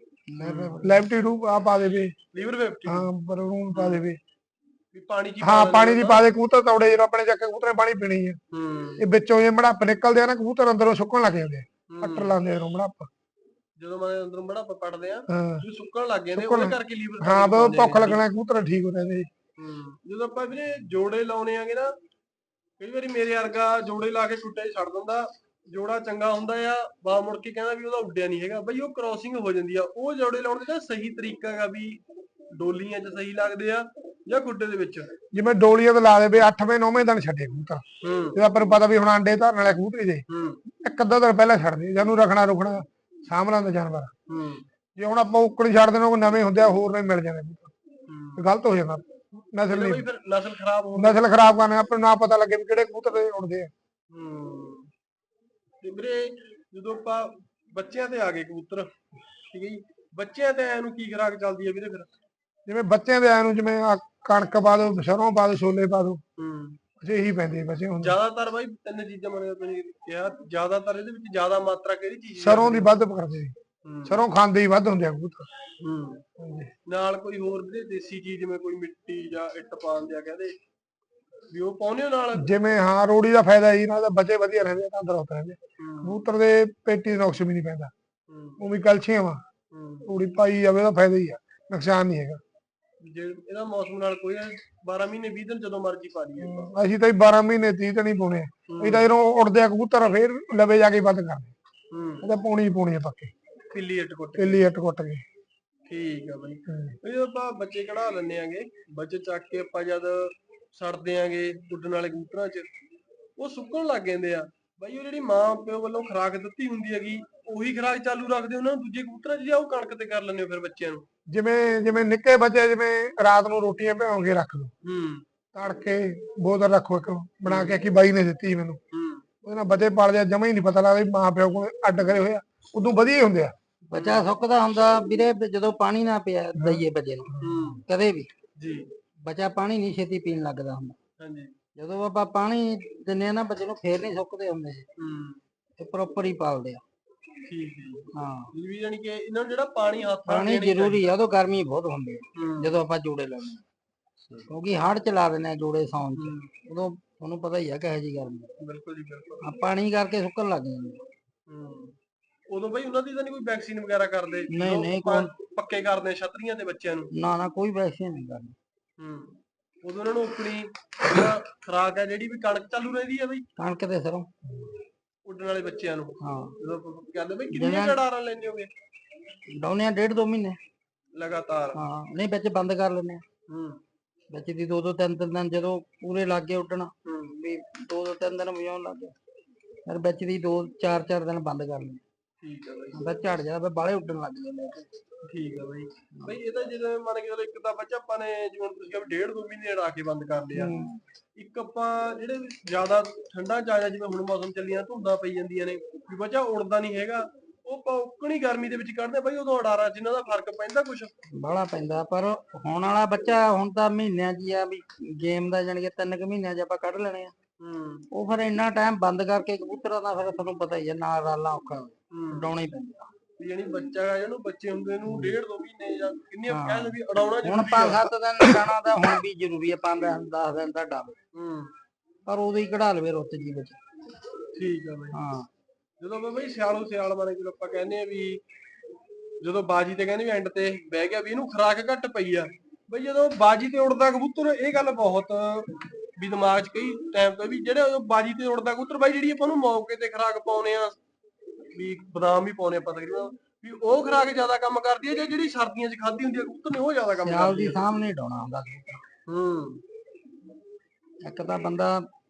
[SPEAKER 2] ਲੈਫਟੀ ਰੂ ਆ ਪਾ ਦੇਵੇ,
[SPEAKER 1] ਲੀਵਰ 50
[SPEAKER 2] ਹਾਂ ਬਰੂਨ ਪਾ ਦੇਵੇ,
[SPEAKER 1] ਪਾਣੀ ਚ
[SPEAKER 2] ਪਾਣੀ ਦੀ ਪਾ ਦੇ। ਕਬੂਤਰ ਤੌੜੇ ਜਦੋਂ ਆਪਣੇ ਚੱਕੇ ਕਬੂਤਰ ਪਾਣੀ ਪੀਣੀ ਆ, ਇਹ ਵਿੱਚੋਂ ਜੇ ਬੜਾਪ ਨਿਕਲਦੇ ਆ ਨਾ, ਕਬੂਤਰ ਅੰਦਰੋਂ ਸੁੱਕਣ ਲੱਗ ਜਾਂਦੇ ਆ, ਪੱਟਰ ਲਾਉਂਦੇ ਆ ਬੜਾਪ।
[SPEAKER 1] ਜਦੋਂ ਮੈਂ ਅੰਦਰੋਂ ਬੜਾ ਪੜਦੇ ਆ ਸੁੱਕਣ ਲੱਗ ਜਾਂਦੇ, ਉਹਦੇ ਕਰਕੇ ਲੀਵਰ।
[SPEAKER 2] ਹਾਂ, ਭੁੱਖ ਲੱਗਣਾ, ਕਬੂਤਰ ਠੀਕ ਹੋ ਜਾਂਦੇ।
[SPEAKER 1] ਜਦੋਂ ਆਪਾਂ ਵੀਰੇ ਜੋੜੇ ਲਾਉਣੇ ਆਗੇ ਨਾ, ਕਈ ਵਾਰੀ ਮੇਰੇ ਵਰਗਾ ਜੋੜੇ ਲਾ ਕੇ ਟੁੱਟੇ ਛੱਡ ਦਿੰਦਾ, ਜੋੜਾ ਚੰਗਾ ਹੁੰਦਾ ਆ, ਬਾ ਮੁੜ ਕੇ ਕਹਿੰਦਾ ਵੀ ਉਹਦਾ ਉੱਡਿਆ ਨਹੀਂ ਹੈਗਾ ਬਈ, ਉਹ ਕ੍ਰਾਸਿੰਗ ਹੋ ਜਾਂਦੀ ਆ। ਉਹ ਜੋੜੇ ਲਾਉਣ ਦਾ ਸਹੀ ਤਰੀਕਾ ਹੈਗਾ ਵੀ ਡੋਲੀਆਂ 'ਚ ਸਹੀ ਲੱਗਦੇ ਆ ਜਾਂ ਖੁੱਡੇ ਦੇ ਵਿੱਚ?
[SPEAKER 2] ਜਿਵੇਂ ਡੋਲੀਆਂ ਤੇ ਲਾ ਦੇ ਵੀ 8ਵੇਂ 9ਵੇਂ ਦਿਨ ਛੱਡੇ ਕਬੂਤਰ,
[SPEAKER 1] ਹੂੰ
[SPEAKER 2] ਜੇ ਆਪਾਂ ਨੂੰ ਪਤਾ ਵੀ ਹੁਣ ਆਂਡੇ ਧਰਨ ਵਾਲੇ ਕਬੂਤਰ ਜੇ
[SPEAKER 1] ਹੂੰ
[SPEAKER 2] ਇੱਕ ਅੱਧਾ ਦਿਨ ਪਹਿਲਾਂ ਛੱਡਦੇ, ਜਾਨੂੰ ਰਖਣਾ ਸਾਂਭ ਲੈਂਦਾ ਜਾਨਵਰ।
[SPEAKER 1] ਹੂੰ
[SPEAKER 2] ਜੇ ਹੁਣ ਆਪਾਂ ਉੱਕਣ ਛੱਡ ਦੇਣਾ, ਉਹ ਨਵੇਂ ਹੁੰਦੇ ਆ, ਹੋਰ ਨਹੀਂ ਮਿਲ ਜਾਂਦੇ
[SPEAKER 1] ਹੂੰ।
[SPEAKER 2] ਕਬੂਤਰ, ਗਲਤ ਹੋ ਜਾਂਦਾ, ਨਸਲ
[SPEAKER 1] ਇਹਦਾ
[SPEAKER 2] ਨਹੀਂ,
[SPEAKER 1] ਬਈ ਫਿਰ ਨਸਲ ਖਰਾਬ ਹੋ
[SPEAKER 2] ਨਸਲ ਖਰਾਬ ਕਰਨੇ, ਆਪਾਂ ਨੂੰ ਨਾ ਪਤਾ ਲੱਗੇ ਵੀ ਕਿਹੜੇ ਕਬੂਤਰ ਦੇ ਉੜਦੇ ਆ।
[SPEAKER 1] ਹੂੰ। ਤੇ ਵੀਰੇ ਜਦੋਂ ਆਪਾਂ ਬੱਚਿਆਂ ਤੇ ਆ ਗਏ ਕਬੂਤਰ, ਠੀਕ ਹੈ ਜੀ, ਬੱਚਿਆਂ ਤੇ ਇਹਨੂੰ ਕੀ ਖੁਰਾਕ ਚੱਲਦੀ ਹੈ ਵੀਰੇ ਫਿਰ?
[SPEAKER 2] ਜਿਵੇਂ ਬੱਚਿਆਂ ਦੇ ਆਇਆ ਨੂੰ, ਜਿਵੇਂ ਕਣਕ ਪਾ ਦੋ, ਸਰੋਂ ਪਾ ਦੋ, ਛੋਲੇ ਪਾ ਦੋ,
[SPEAKER 1] ਹੂੰ।
[SPEAKER 2] ਅੱਛਾ ਇਹੀ ਪੈਂਦੇ ਆ ਬੱਚੇ ਹੁਣ।
[SPEAKER 1] ਜ਼ਿਆਦਾਤਰ ਬਾਈ ਤਿੰਨ ਚੀਜ਼ਾਂ ਮੈंਨੇ ਤੁਸੀਂ ਕਿਹਾ, ਜ਼ਿਆਦਾਤਰ ਇਹਦੇ ਵਿੱਚ ਜ਼ਿਆਦਾ ਮਾਤਰਾ ਕਿਹੜੀ ਚੀਜ਼ ਦੀ
[SPEAKER 2] ਸਰੋਂ ਦੀ
[SPEAKER 1] ਲੱਗਦੀ?
[SPEAKER 2] ਵੱਧ ਕਰਦੇ ਜੀ,
[SPEAKER 1] ਹੂੰ
[SPEAKER 2] ਸਰੋਂ ਖਾਂਦੇ ਹੀ ਵੱਧ ਹੁੰਦੇ ਆ ਕਬੂਤਰ।
[SPEAKER 1] ਹੂੰ।
[SPEAKER 2] ਹਾਂਜੀ।
[SPEAKER 1] ਨਾਲ ਕੋਈ ਹੋਰ ਵੀਰੇ ਦੇਸੀ ਚੀਜ਼, ਜਿਵੇਂ ਕੋਈ ਮਿੱਟੀ ਜਾਂ ਇੱਟ ਪਾਉਂਦੇ ਆ ਕਹਿੰਦੇ ਵੀ, ਉਹ ਪਾਉਂਦੇ ਹੋ ਨਾਲ?
[SPEAKER 2] ਜਿਵੇਂ ਹਾਂ, ਰੋੜੀ ਦਾ ਫਾਇਦਾ ਜੀ, ਨਾਲ ਤਾਂ ਬੱਚੇ ਵਧੀਆ ਰਹਿੰਦੇ ਆ, ਤੰਦਰੁਸਤ ਰਹਿੰਦੇ।
[SPEAKER 1] ਹੂੰ
[SPEAKER 2] ਕਬੂਤਰ ਦੇ ਪੇਟੀ ਨੁਕਸ ਵੀ ਨਹੀਂ ਪੈਂਦਾ,
[SPEAKER 1] ਹੂੰ
[SPEAKER 2] ਉਹ ਵੀ ਕੈਲਸ਼ੀਅਮ ਆ,
[SPEAKER 1] ਹੂੰ।
[SPEAKER 2] ਰੋੜੀ ਪਾਈ ਜਾਵੇ ਉਹਦਾ ਫਾਇਦਾ ਹੀ ਆ, ਨੁਕਸਾਨ ਨਹੀਂ ਹੈਗਾ।
[SPEAKER 1] ਜੇ ਇਹਦਾ ਮੌਸਮ ਨਾਲ ਕੋਈ 12 ਮਹੀਨੇ 20 ਦਿਨ ਜਦੋਂ ਮਰਜ਼ੀ ਪਾ ਲਈਏ ਆਪਾਂ।
[SPEAKER 2] ਅਸੀਂ ਤਾਂ 12 ਮਹੀਨੇ 30 ਦਿਨ ਹੀ ਪਾਉਣੇ ਆ, ਅਸੀਂ ਤਾਂ ਜਦੋਂ ਉੜਦੇ ਆ ਕਬੂਤਰ ਫੇਰ ਲਵੇ ਜਾ ਕੇ ਬੰਦ ਕਰਦੇ,
[SPEAKER 1] ਹੂੰ।
[SPEAKER 2] ਇਹ ਤਾਂ ਪਾਉਣੀ ਹੀ ਪਾਉਣੀ ਆ ਪੱਕੇ,
[SPEAKER 1] ਪਿੱਲੀ ਇੱਟ ਕੁੱਟ ਕੇ।
[SPEAKER 2] ਕਿੱਲੀ ਇੱਟ ਕੁੱਟ ਕੇ।
[SPEAKER 1] ਠੀਕ ਆ ਬਾਈ। ਇਹ ਆਪਾਂ ਬੱਚੇ ਕਢਾ ਲੈਂਦੇ ਆਂਗੇ, ਬੱਚੇ ਚੱਕ ਕੇ ਆਪਾਂ ਜਦ ਛੱਡਦੇ ਆਂਗੇ ਉੱਡਣ ਵਾਲੇ ਕਬੂਤਰਾਂ 'ਚ, ਉਹ ਸੁੱਕਣ ਲੱਗ ਜਾਂਦੇ ਆ ਬਾਈ। ਉਹ ਜਿਹੜੀ ਮਾਂ ਪਿਓ ਵੱਲੋਂ ਖੁਰਾਕ ਦਿੱਤੀ ਹੁੰਦੀ ਹੈਗੀ, ਉਹੀ ਖੁਰਾਕ ਚਾਲੂ ਰੱਖਦੇ ਉਹਨਾਂ ਨੂੰ ਦੂਜੇ ਕਬੂਤਰਾਂ 'ਚ, ਜਾਂ ਉਹ ਕਣਕ ਤੇ ਕਰ ਲੈਂਦੇ ਹੋ ਫਿਰ ਬੱਚਿਆਂ ਨੂੰ?
[SPEAKER 2] ਜਿਵੇਂ ਜਿਵੇਂ ਨਿੱਕੇ ਬੱਚੇ, ਜਿਵੇਂ ਰਾਤ ਨੂੰ ਰੋਟੀਆਂ ਭਿਉਂ ਕੇ ਰੱਖ ਲਓ,
[SPEAKER 1] ਹੂੰ
[SPEAKER 2] ਤੜਕੇ ਬੋਤਲ ਰੱਖੋ ਇੱਕ ਬਣਾ ਕੇ, ਕਿ ਬਾਈ ਨੇ ਦਿੱਤੀ ਸੀ ਮੈਨੂੰ,
[SPEAKER 1] ਹੂੰ
[SPEAKER 2] ਉਹਦੇ ਨਾਲ ਬੱਚੇ ਪਲਦੇ ਆ, ਜਮਾ ਹੀ ਨਹੀਂ ਪਤਾ ਲੱਗਦਾ ਵੀ ਮਾਂ ਪਿਓ ਕੋਲ ਅੱਡ ਕਰੇ ਹੋਏ ਆ, ਉਦੋਂ ਵਧੀਆ ਹੀ ਹੁੰਦੇ ਆ।
[SPEAKER 3] ਬੱਚਾ ਸੁੱਕਦਾ ਹੁੰਦਾ ਵੀਰੇ ਜਦੋਂ ਪਾਣੀ ਨਾ ਪਿਆ ਦਈਏ ਬੱਚੇ ਨੂੰ,
[SPEAKER 1] ਹੂੰ
[SPEAKER 3] ਕਦੇ ਵੀ
[SPEAKER 1] ਜੀ।
[SPEAKER 3] ਬੱਚਾ ਪਾਣੀ ਨਹੀਂ ਛੇਤੀ ਪੀਣ ਲੱਗਦਾ ਹੁੰਦਾ।
[SPEAKER 1] ਹਾਂਜੀ।
[SPEAKER 3] ਜਦੋਂ ਆਪਾਂ ਪਾਣੀ ਦਿੰਨੇ ਆ ਨਾ ਬੱਚੇ ਨੂੰ, ਫੇਰ ਨਹੀਂ ਸੁੱਕਦੇ ਹੁੰਦੇ,
[SPEAKER 1] ਹੂੰ
[SPEAKER 3] ਇਹ ਪ੍ਰੋਪਰ ਹੀ ਪਾਲਦੇ ਆ।
[SPEAKER 1] ਠੀਕ ਹੈ ਜੀ।
[SPEAKER 3] ਹਾਂ,
[SPEAKER 1] ਵੀ ਜਾਨੀ ਕਿ ਇਹਨਾਂ ਨੂੰ ਜਿਹੜਾ ਪਾਣੀ ਹੱਥ ਨਾਲ
[SPEAKER 3] ਪਾਣੀ
[SPEAKER 1] ਦੇਣਾ ਹੀ
[SPEAKER 3] ਜ਼ਰੂਰੀ ਆ, ਉਦੋਂ ਗਰਮੀ ਬਹੁਤ ਹੁੰਦੀ ਆ
[SPEAKER 1] ਹੂੰ
[SPEAKER 3] ਜਦੋਂ ਆਪਾਂ ਜੋੜੇ ਲਾਉਂਦੇ ਆ, ਕਿਉਂਕਿ ਹੜ੍ਹ ਚਲਾ ਦਿੰਦੇ ਆ ਜੋੜੇ ਸੌਣ ਚ,
[SPEAKER 1] ਹੂੰ।
[SPEAKER 3] ਉਦੋਂ ਤੁਹਾਨੂੰ ਪਤਾ ਹੀ ਆ ਕਿਹੋ ਜਿਹੀ ਗਰਮੀ
[SPEAKER 1] ਬਿਲਕੁਲ ਜੀ ਬਿਲਕੁਲ।
[SPEAKER 3] ਆ, ਪਾਣੀ ਕਰਕੇ ਸੁੱਕਣ ਲੱਗ ਜਾਂਦੇ ਆ।
[SPEAKER 1] ਹੂੰ। ਉਦੋਂ ਬਈ ਉਹਨਾਂ ਦੀ ਤਾਂ ਨਹੀਂ ਕੋਈ ਵੈਕਸੀਨ ਵਗੈਰਾ ਕਰਦੇ
[SPEAKER 3] ਨਹੀਂ
[SPEAKER 1] ਜਦੋਂ
[SPEAKER 3] ਨਹੀਂ,
[SPEAKER 1] ਆਪਾਂ
[SPEAKER 3] ਕੋਈ
[SPEAKER 1] ਪੱਕੇ ਕਰਦੇ ਆ ਛਤਰੀਆਂ ਤੇ ਬੱਚਿਆਂ ਨੂੰ?
[SPEAKER 3] ਨਾ ਨਾ, ਕੋਈ ਵੈਕਸੀਨ ਨਹੀਂ ਕਰਨੀ।
[SPEAKER 1] ਹੂੰ। ਉਦੋਂ ਉਹਨਾਂ ਨੂੰ ਆਪਣੀ ਜਿਹੜਾ ਖੁਰਾਕ ਹੈ, ਜਿਹੜੀ ਵੀ ਕਣਕ ਚਾਲੂ ਰਹਿੰਦੀ ਹੈ ਬਈ
[SPEAKER 3] ਕਣਕ ਤੇ ਸਰੋਂ।
[SPEAKER 1] ਉੱਡਣ ਵਾਲੇ ਬੱਚਿਆਂ ਨੂੰ?
[SPEAKER 3] ਹਾਂ,
[SPEAKER 1] ਜਦੋਂ ਆਪਾਂ ਕਹਿੰਦੇ ਬਈ ਕਿੰਨੀਆਂ ਜੜਾਰਾਂ ਲੈਂਦੇ ਹੋਗੇ
[SPEAKER 3] ਡਾਉਨੇ ਆ 1.5-2 ਮਹੀਨੇ
[SPEAKER 1] ਲਗਾਤਾਰ?
[SPEAKER 3] ਹਾਂ, ਨਹੀਂ ਵਿੱਚ ਬੰਦ ਕਰ ਲੈਂਦੇ ਆ,
[SPEAKER 1] ਹੂੰ
[SPEAKER 3] ਵਿੱਚ ਦੀ 2-2 3-3 ਦਿਨ ਜਦੋਂ ਪੂਰੇ ਲੱਗ ਗਏ ਉੱਡਣ,
[SPEAKER 1] ਹੂੰ।
[SPEAKER 3] ਵੀ 2-2 3 ਦਿਨ ਵਜਾਉਣ ਲੱਗ ਗਏ, ਫਿਰ ਵਿੱਚ ਦੀ 2-4 ਦਿਨ ਬੰਦ ਕਰ ਲੈਂਦੇ,
[SPEAKER 1] ਠੀਕ ਹੈ ਬਈ।
[SPEAKER 3] ਫਿਰ ਝੜ ਜਾਂਦਾ, ਫਿਰ ਬਾਹਲੇ ਉੱਡਣ ਲੱਗ ਜਾਂਦੇ ਆ।
[SPEAKER 1] ਠੀਕ ਹੈ ਬਈ। ਬਈ ਇਹ ਤਾਂ ਜਦੋਂ ਮੰਨ ਕੇ ਚਲੋ, ਇੱਕ ਤਾਂ ਬੱਚਾ ਆਪਾਂ ਨੇ ਜਿਵੇਂ ਤੁਸੀਂ ਕਿਹਾ 1.5-2 ਮਹੀਨੇ ਅੜਾ ਕੇ ਬੰਦ ਕਰ ਲਿਆ, ਇੱਕ ਆਪਾਂ ਜਿਹੜੇ ਜ਼ਿਆਦਾ ਠੰਡਾ ਚ ਆ ਜਾ, ਜਿਵੇਂ ਹੁਣ ਮੌਸਮ ਚੱਲੀਆਂ, ਧੁੰਦਾਂ ਪਈ ਜਾਂਦੀਆਂ ਨੇ, ਵੀ ਬੱਚਾ ਉੜਦਾ ਨਹੀਂ ਹੈਗਾ, ਉਹ ਪੌਕਣੀ ਗਰਮੀ ਦੇ ਵਿੱਚ ਕੱਢਦੇ ਬਈ, ਉਦੋਂ ਅਡਾਰਾ ਜਿੰਨਾਂ ਦਾ ਫਰਕ ਪੈਂਦਾ ਕੁਛ?
[SPEAKER 3] ਬਾਹਲਾ ਪੈਂਦਾ, ਪਰ ਹੁਣ ਵਾਲਾ ਬੱਚਾ ਹੁਣ ਤਾਂ ਮਹੀਨਿਆਂ ਚ ਆ, ਵੀ ਗੇਮ ਦਾ ਜਾਣੀ ਕਿ 3 ਕੁ ਮਹੀਨਿਆਂ ਚ ਆਪਾਂ ਕੱਢ ਲੈਣੇ ਆ।
[SPEAKER 1] ਹੂੰ
[SPEAKER 3] ਉਹ ਫਿਰ ਇੰਨਾ ਟਾਈਮ ਬੰਦ ਕਰਕੇ ਕਬੂਤਰਾਂ ਦਾ, ਫਿਰ ਤੁਹਾਨੂੰ ਪਤਾ ਹੀ ਆ, ਨਾਲ ਰਾਲਾ ਔਖਾ
[SPEAKER 1] ਹੂੰ।
[SPEAKER 3] ਉਡਾਉਣਾ ਹੀ ਪੈਂਦਾ।
[SPEAKER 1] ਯਾਨੀ ਬੱਚਾ ਹੈ ਜਿਹਨੂੰ ਬੱਚੇ ਹੁੰਦੇ ਨੂੰ 1.5-2 ਮਹੀਨੇ ਜਾਂ ਕਿੰਨੀਆਂ
[SPEAKER 3] ਹਾਂ।
[SPEAKER 1] ਕਹਿੰਦੇ ਵੀ ਅਡਾਉਣਾ
[SPEAKER 3] ਹੁਣ
[SPEAKER 1] ਜ਼ਰੂਰੀ ਆ।
[SPEAKER 3] 5-7 ਦਿਨ ਉਡਾਉਣਾ ਤਾਂ ਹੁਣ ਵੀ ਜ਼ਰੂਰੀ ਆ, 5-10 ਦਿਨ ਤਾਂ ਡਾਵੇ,
[SPEAKER 1] ਹੂੰ
[SPEAKER 3] ਪਰ ਉਦੋਂ ਹੀ ਕਢਾ ਲਵੇ ਰੁੱਤ ਜੀ ਵਿੱਚ।
[SPEAKER 1] ਠੀਕ ਆ ਬਈ।
[SPEAKER 3] ਹਾਂ,
[SPEAKER 1] ਜਦੋਂ ਮੈਂ ਬਈ ਸਿਆਲੋ ਸਿਆਲ ਬਾਰੇ ਜਦੋਂ ਆਪਾਂ ਕਹਿੰਦੇ ਆ ਵੀ, ਜਦੋਂ ਬਾਜੀ ਤੇ ਕਹਿੰਦੇ ਵੀ ਐਂਡ ਤੇ ਬਹਿ ਗਿਆ ਵੀ ਇਹਨੂੰ ਖੁਰਾਕ ਘੱਟ ਪਈ ਆ, ਬਈ ਜਦੋਂ ਬਾਜੀ ਤੇ ਉੜਦਾ ਕਬੂਤਰ, ਇਹ ਗੱਲ ਬਹੁਤ ਵੀ ਦਿਮਾਗ 'ਚ ਕਈ ਟਾਈਮ ਤੋਂ ਵੀ, ਜਿਹੜੇ ਬਾਜੀ ਤੇ ਉੜਦਾ ਕਬੂਤਰ ਬਾਈ, ਜਿਹੜੀ ਆਪਾਂ ਨੂੰ ਮੌਕੇ ਤੇ ਖੁਰਾਕ ਪਾਉਨੇ ਆ, ਵੀ ਬਦਾਮ ਵੀ ਪਾਉਨੇ ਆਪਾਂ ਤਕਰੀਬਨ, ਵੀ ਉਹ ਖੁਰਾਕ ਜ਼ਿਆਦਾ ਕੰਮ ਕਰਦੀ ਹੈ, ਜਾਂ ਜਿਹੜੀ ਸਰਦੀਆਂ 'ਚ ਖਾਧੀ ਹੁੰਦੀ ਆ ਕਬੂਤਰ ਨੇ, ਉਹ ਜ਼ਿਆਦਾ ਕੰਮ
[SPEAKER 3] ਸਿਆਲ
[SPEAKER 1] ਕਰਦੀ
[SPEAKER 3] ਦੀ
[SPEAKER 1] ਆ?
[SPEAKER 3] ਸਾਹਮਣੇ ਉਡਾਉਣਾ ਹੁੰਦਾ ਕਬੂਤਰ।
[SPEAKER 1] ਹੂੰ
[SPEAKER 3] ਇੱਕ ਤਾਂ ਬੰਦਾ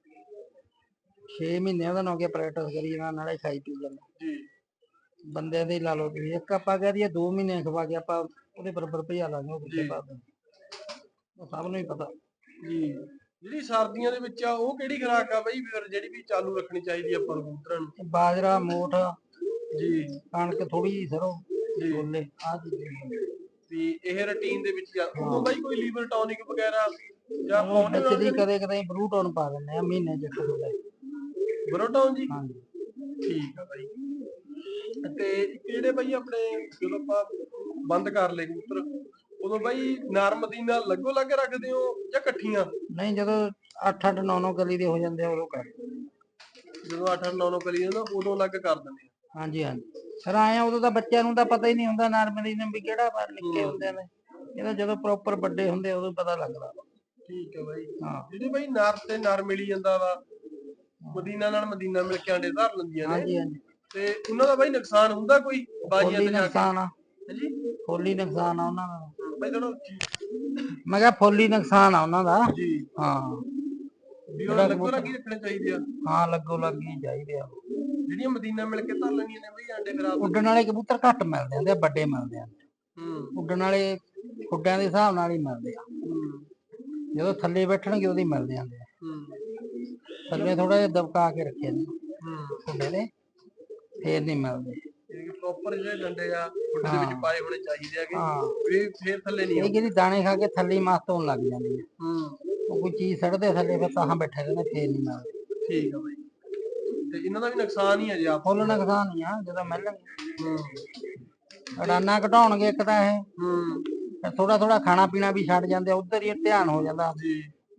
[SPEAKER 3] 6 ਮਹੀਨਿਆਂ ਦਾ ਨਾ ਹੋ ਗਿਆ ਪ੍ਰੈਕਟਿਸ ਕਰੀ ਜਾਂਦਾ, ਨਾਲੇ ਖਾਈ ਪੀ ਜਾਂਦਾ
[SPEAKER 1] ਜੀ।
[SPEAKER 3] ਬੰਦਿਆਂ ਦੇ ਲਾ ਲਓ ਤੁਸੀਂ, ਇੱਕ ਆਪਾਂ ਕਹਿ ਦਈਏ 2 ਮਹੀਨੇ ਖਵਾ ਕੇ ਆਪਾਂ ਉਹਦੇ ਬਰਾਬਰ ਭਜਾ ਲਾਂਗੇ, ਉਹ
[SPEAKER 1] ਜੀ।
[SPEAKER 3] ਕਿੱਥੇ ਪਾਦਾ, ਉਹ ਸਭ ਨੂੰ ਹੀ ਪਤਾ।
[SPEAKER 1] ਜੀ। ਜਿਹੜੀ ਸਰਦੀਆਂ ਦੇ ਵਿੱਚ ਆ, ਉਹ ਕਿਹੜੀ ਖੁਰਾਕ ਆ ਬਈ ਫਿਰ ਜਿਹੜੀ ਵੀ ਚਾਲੂ ਰੱਖਣੀ ਚਾਹੀਦੀ ਆਪਾਂ ਨੂੰ ਕਬੂਤਰਾਂ ਨੂੰ?
[SPEAKER 3] ਬਾਜਰਾ, ਮੋਠ,
[SPEAKER 1] ਜੀ
[SPEAKER 3] ਕਣਕ ਥੋੜੀ ਜਿਹੀ, ਸਰੋਂ,
[SPEAKER 1] ਜੀ।
[SPEAKER 3] ਛੋਲੇ, ਆਹ ਚੀਜ਼ਾਂ।
[SPEAKER 1] ਵੀ ਇਹ ਰੁਟੀਨ ਦੇ ਵਿੱਚ ਆ, ਉਦੋਂ ਬਾਈ ਕੋਈ ਲੀਵਰ ਟੌਨਿਕ ਵਗੈਰਾ ਜਾਂ
[SPEAKER 3] ਉਹ
[SPEAKER 1] ਪਾਉਣੇ
[SPEAKER 3] ਵਿੱਚ ਦੀ
[SPEAKER 1] ਨਾਲ?
[SPEAKER 3] ਕਦੇ ਕਦੇ ਬਰੂਟੋਨ ਪਾ ਦਿੰਦੇ ਆ, ਮਹੀਨੇ ਚ ਇੱਕ ਥੋੜਾ।
[SPEAKER 1] ਬਰੋਟੌਨ ਜੀ?
[SPEAKER 3] ਹਾਂਜੀ।
[SPEAKER 1] ਠੀਕ ਆ ਬਾਈ। ਤੇ ਕਿਹੜੇ ਬਾਈ ਆਪਣੇ, ਜਦੋਂ ਆਪਾਂ ਬੰਦ ਕਰ ਲਏ ਕਬੂਤਰ, ਉਦੋਂ ਬਾਈ ਨਰਮ ਦੀ ਨਾਲ ਲੱਗੋ ਲੱਗ ਰੱਖਦੇ ਹੋ ਜਾਂ ਇਕੱਠੀਆਂ?
[SPEAKER 3] ਨਹੀਂ, ਜਦੋਂ 8-8 9-9 ਕਲੀ ਦੇ ਹੋ ਜਾਂਦੇ ਆ ਉਦੋਂ ਕਰ।
[SPEAKER 1] ਜਦੋਂ 8-8 9-9 ਕਰੀ ਜਾਂਦਾ ਉਦੋਂ ਅਲੱਗ ਕਰ ਦਿੰਦੇ ਆ?
[SPEAKER 3] ਹਾਂਜੀ ਹਾਂਜੀ। ਫਿਰ ਆਏ ਆ, ਉਦੋਂ ਤਾਂ ਬੱਚਿਆਂ ਨੂੰ ਤਾਂ ਪਤਾ ਹੀ ਨਹੀਂ ਹੁੰਦਾ ਨਰਮਦੀ ਨੂੰ ਵੀ ਕਿਹੜਾ ਵਾਰ ਨਿੱਕੇ ਹੁੰਦੇ ਨੇ, ਇਹ ਤਾਂ ਜਦੋਂ ਪ੍ਰੋਪਰ ਵੱਡੇ ਹੁੰਦੇ ਆ ਉਦੋਂ ਪਤਾ ਲੱਗਦਾ।
[SPEAKER 1] ਠੀਕ ਹੈ ਬਾਈ।
[SPEAKER 3] ਹਾਂ
[SPEAKER 1] ਜਿਹੜੀ ਬਾਈ ਨਰ ਤੇ ਨਰ ਮਿਲੀ ਜਾਂਦਾ ਵਾ, ਮਦੀਨਾ ਨਾਲ ਮਦੀਨਾ ਮਿਲ ਕੇ ਆਂਡੇ ਧਰ ਲੈਂਦੀਆਂ ਨੇ।
[SPEAKER 3] ਹਾਂਜੀ ਹਾਂਜੀ
[SPEAKER 1] ਤੇ ਉਹਨਾਂ ਦਾ ਬਾਈ ਨੁਕਸਾਨ ਹੁੰਦਾ ਕੋਈ ਬਾਜੀਆਂ
[SPEAKER 3] ਫੁੱਲੀ
[SPEAKER 1] ਤੇ ਜਾ ਕੇ?
[SPEAKER 3] ਨੁਕਸਾਨ ਆ,
[SPEAKER 1] ਹਾਂਜੀ
[SPEAKER 3] ਫੁੱਲੀ ਨੁਕਸਾਨ ਆ ਉਹਨਾਂ ਦਾ।
[SPEAKER 1] ਬਾਈ ਥੋੜਾ
[SPEAKER 3] ਮੈਂ ਕਿਹਾ ਫੁੱਲੀ ਨੁਕਸਾਨ ਆ ਉਹਨਾਂ ਦਾ।
[SPEAKER 1] ਜੀ
[SPEAKER 3] ਹਾਂ
[SPEAKER 1] ਵੀ ਉਹ ਲੱਗੋ ਲੱਗੀ ਰੱਖਣੇ ਚਾਹੀਦੇ ਆ।
[SPEAKER 3] ਹਾਂ ਲੱਗੋ ਲੱਗੀ ਚਾਹੀਦੇ ਆ।
[SPEAKER 1] ਜਿਹੜੀਆਂ ਮਦੀਨਾ ਮਿਲ ਕੇ ਧਰ ਲੈਣੀਆਂ ਨੇ ਬਈ ਆਂਡੇ ਖਰਾਬ?
[SPEAKER 3] ਉੱਡਣ ਵਾਲੇ ਕਬੂਤਰ ਘੱਟ ਮਿਲਦੇ ਆ ਤੇ ਵੱਡੇ ਮਿਲਦੇ ਆ। ਉੱਡਣ ਵਾਲੇ ਖੁੱਡਿਆਂ ਦੇ ਹਿਸਾਬ ਨਾਲ ਹੀ ਮਿਲਦੇ ਆ। ਜਦੋਂ ਥੱਲੇ ਬੈਠਣਗੇ ਉਹਦੇ ਮਿਲਦੇ ਆਂਦੇ ਆ। ਥੱਲੇ ਥੋੜਾ ਜਿਹਾ ਦਬਕਾ ਕੇ ਰੱਖਿਆ ਨੇ ਖੁੱਡੇ ਦੇ, ਫੇਰ ਨਹੀਂ ਮਿਲਦੇ।
[SPEAKER 1] ਪ੍ਰੋਪਰ ਜਿਹੜੇ ਡੰਡੇ ਆ ਖੁੱਡੇ ਦੇ ਵਿੱਚ ਪਾਏ ਹੋਣੇ ਚਾਹੀਦੇ ਆਗੇ,
[SPEAKER 3] ਹਾਂ
[SPEAKER 1] ਵੀ ਫੇਰ ਥੱਲੇ ਨਹੀਂ
[SPEAKER 3] ਇਹ ਜਿਹੜੀ ਦਾਣੇ ਖਾ ਕੇ ਥੱਲੇ ਮਸਤ ਹੋਣ ਲੱਗ ਜਾਂਦੀ ਹੈ। ਉਹ ਕੋਈ ਚੀਜ਼ ਸੜਦੇ ਥੱਲੇ ਫਿਰ ਤਾਂ ਬੈਠੇ ਰਹਿੰਦੇ, ਫੇਰ ਨਹੀਂ ਮਿਲਦੇ।
[SPEAKER 1] ਠੀਕ ਆ ਬਾਈ। ਤੇ ਇਹਨਾਂ ਦਾ ਵੀ ਨੁਕਸਾਨ ਹੀ ਆ ਜੀ ਆਪ?
[SPEAKER 3] ਫੁੱਲ ਨੁਕਸਾਨ ਹੀ ਆ ਜਦੋਂ ਮਿਲਣਗੇ। ਅਡਾਨਾ ਘਟਾਉਣਗੇ ਇੱਕ ਤਾਂ ਇਹ, ਥੋੜਾ ਥੋੜਾ ਖਾਣਾ ਪੀਣਾ ਵੀ ਛੱਡ ਜਾਂਦੇ, ਉਧਰ ਹੀ ਧਿਆਨ ਹੋ ਜਾਂਦਾ ਜੀ।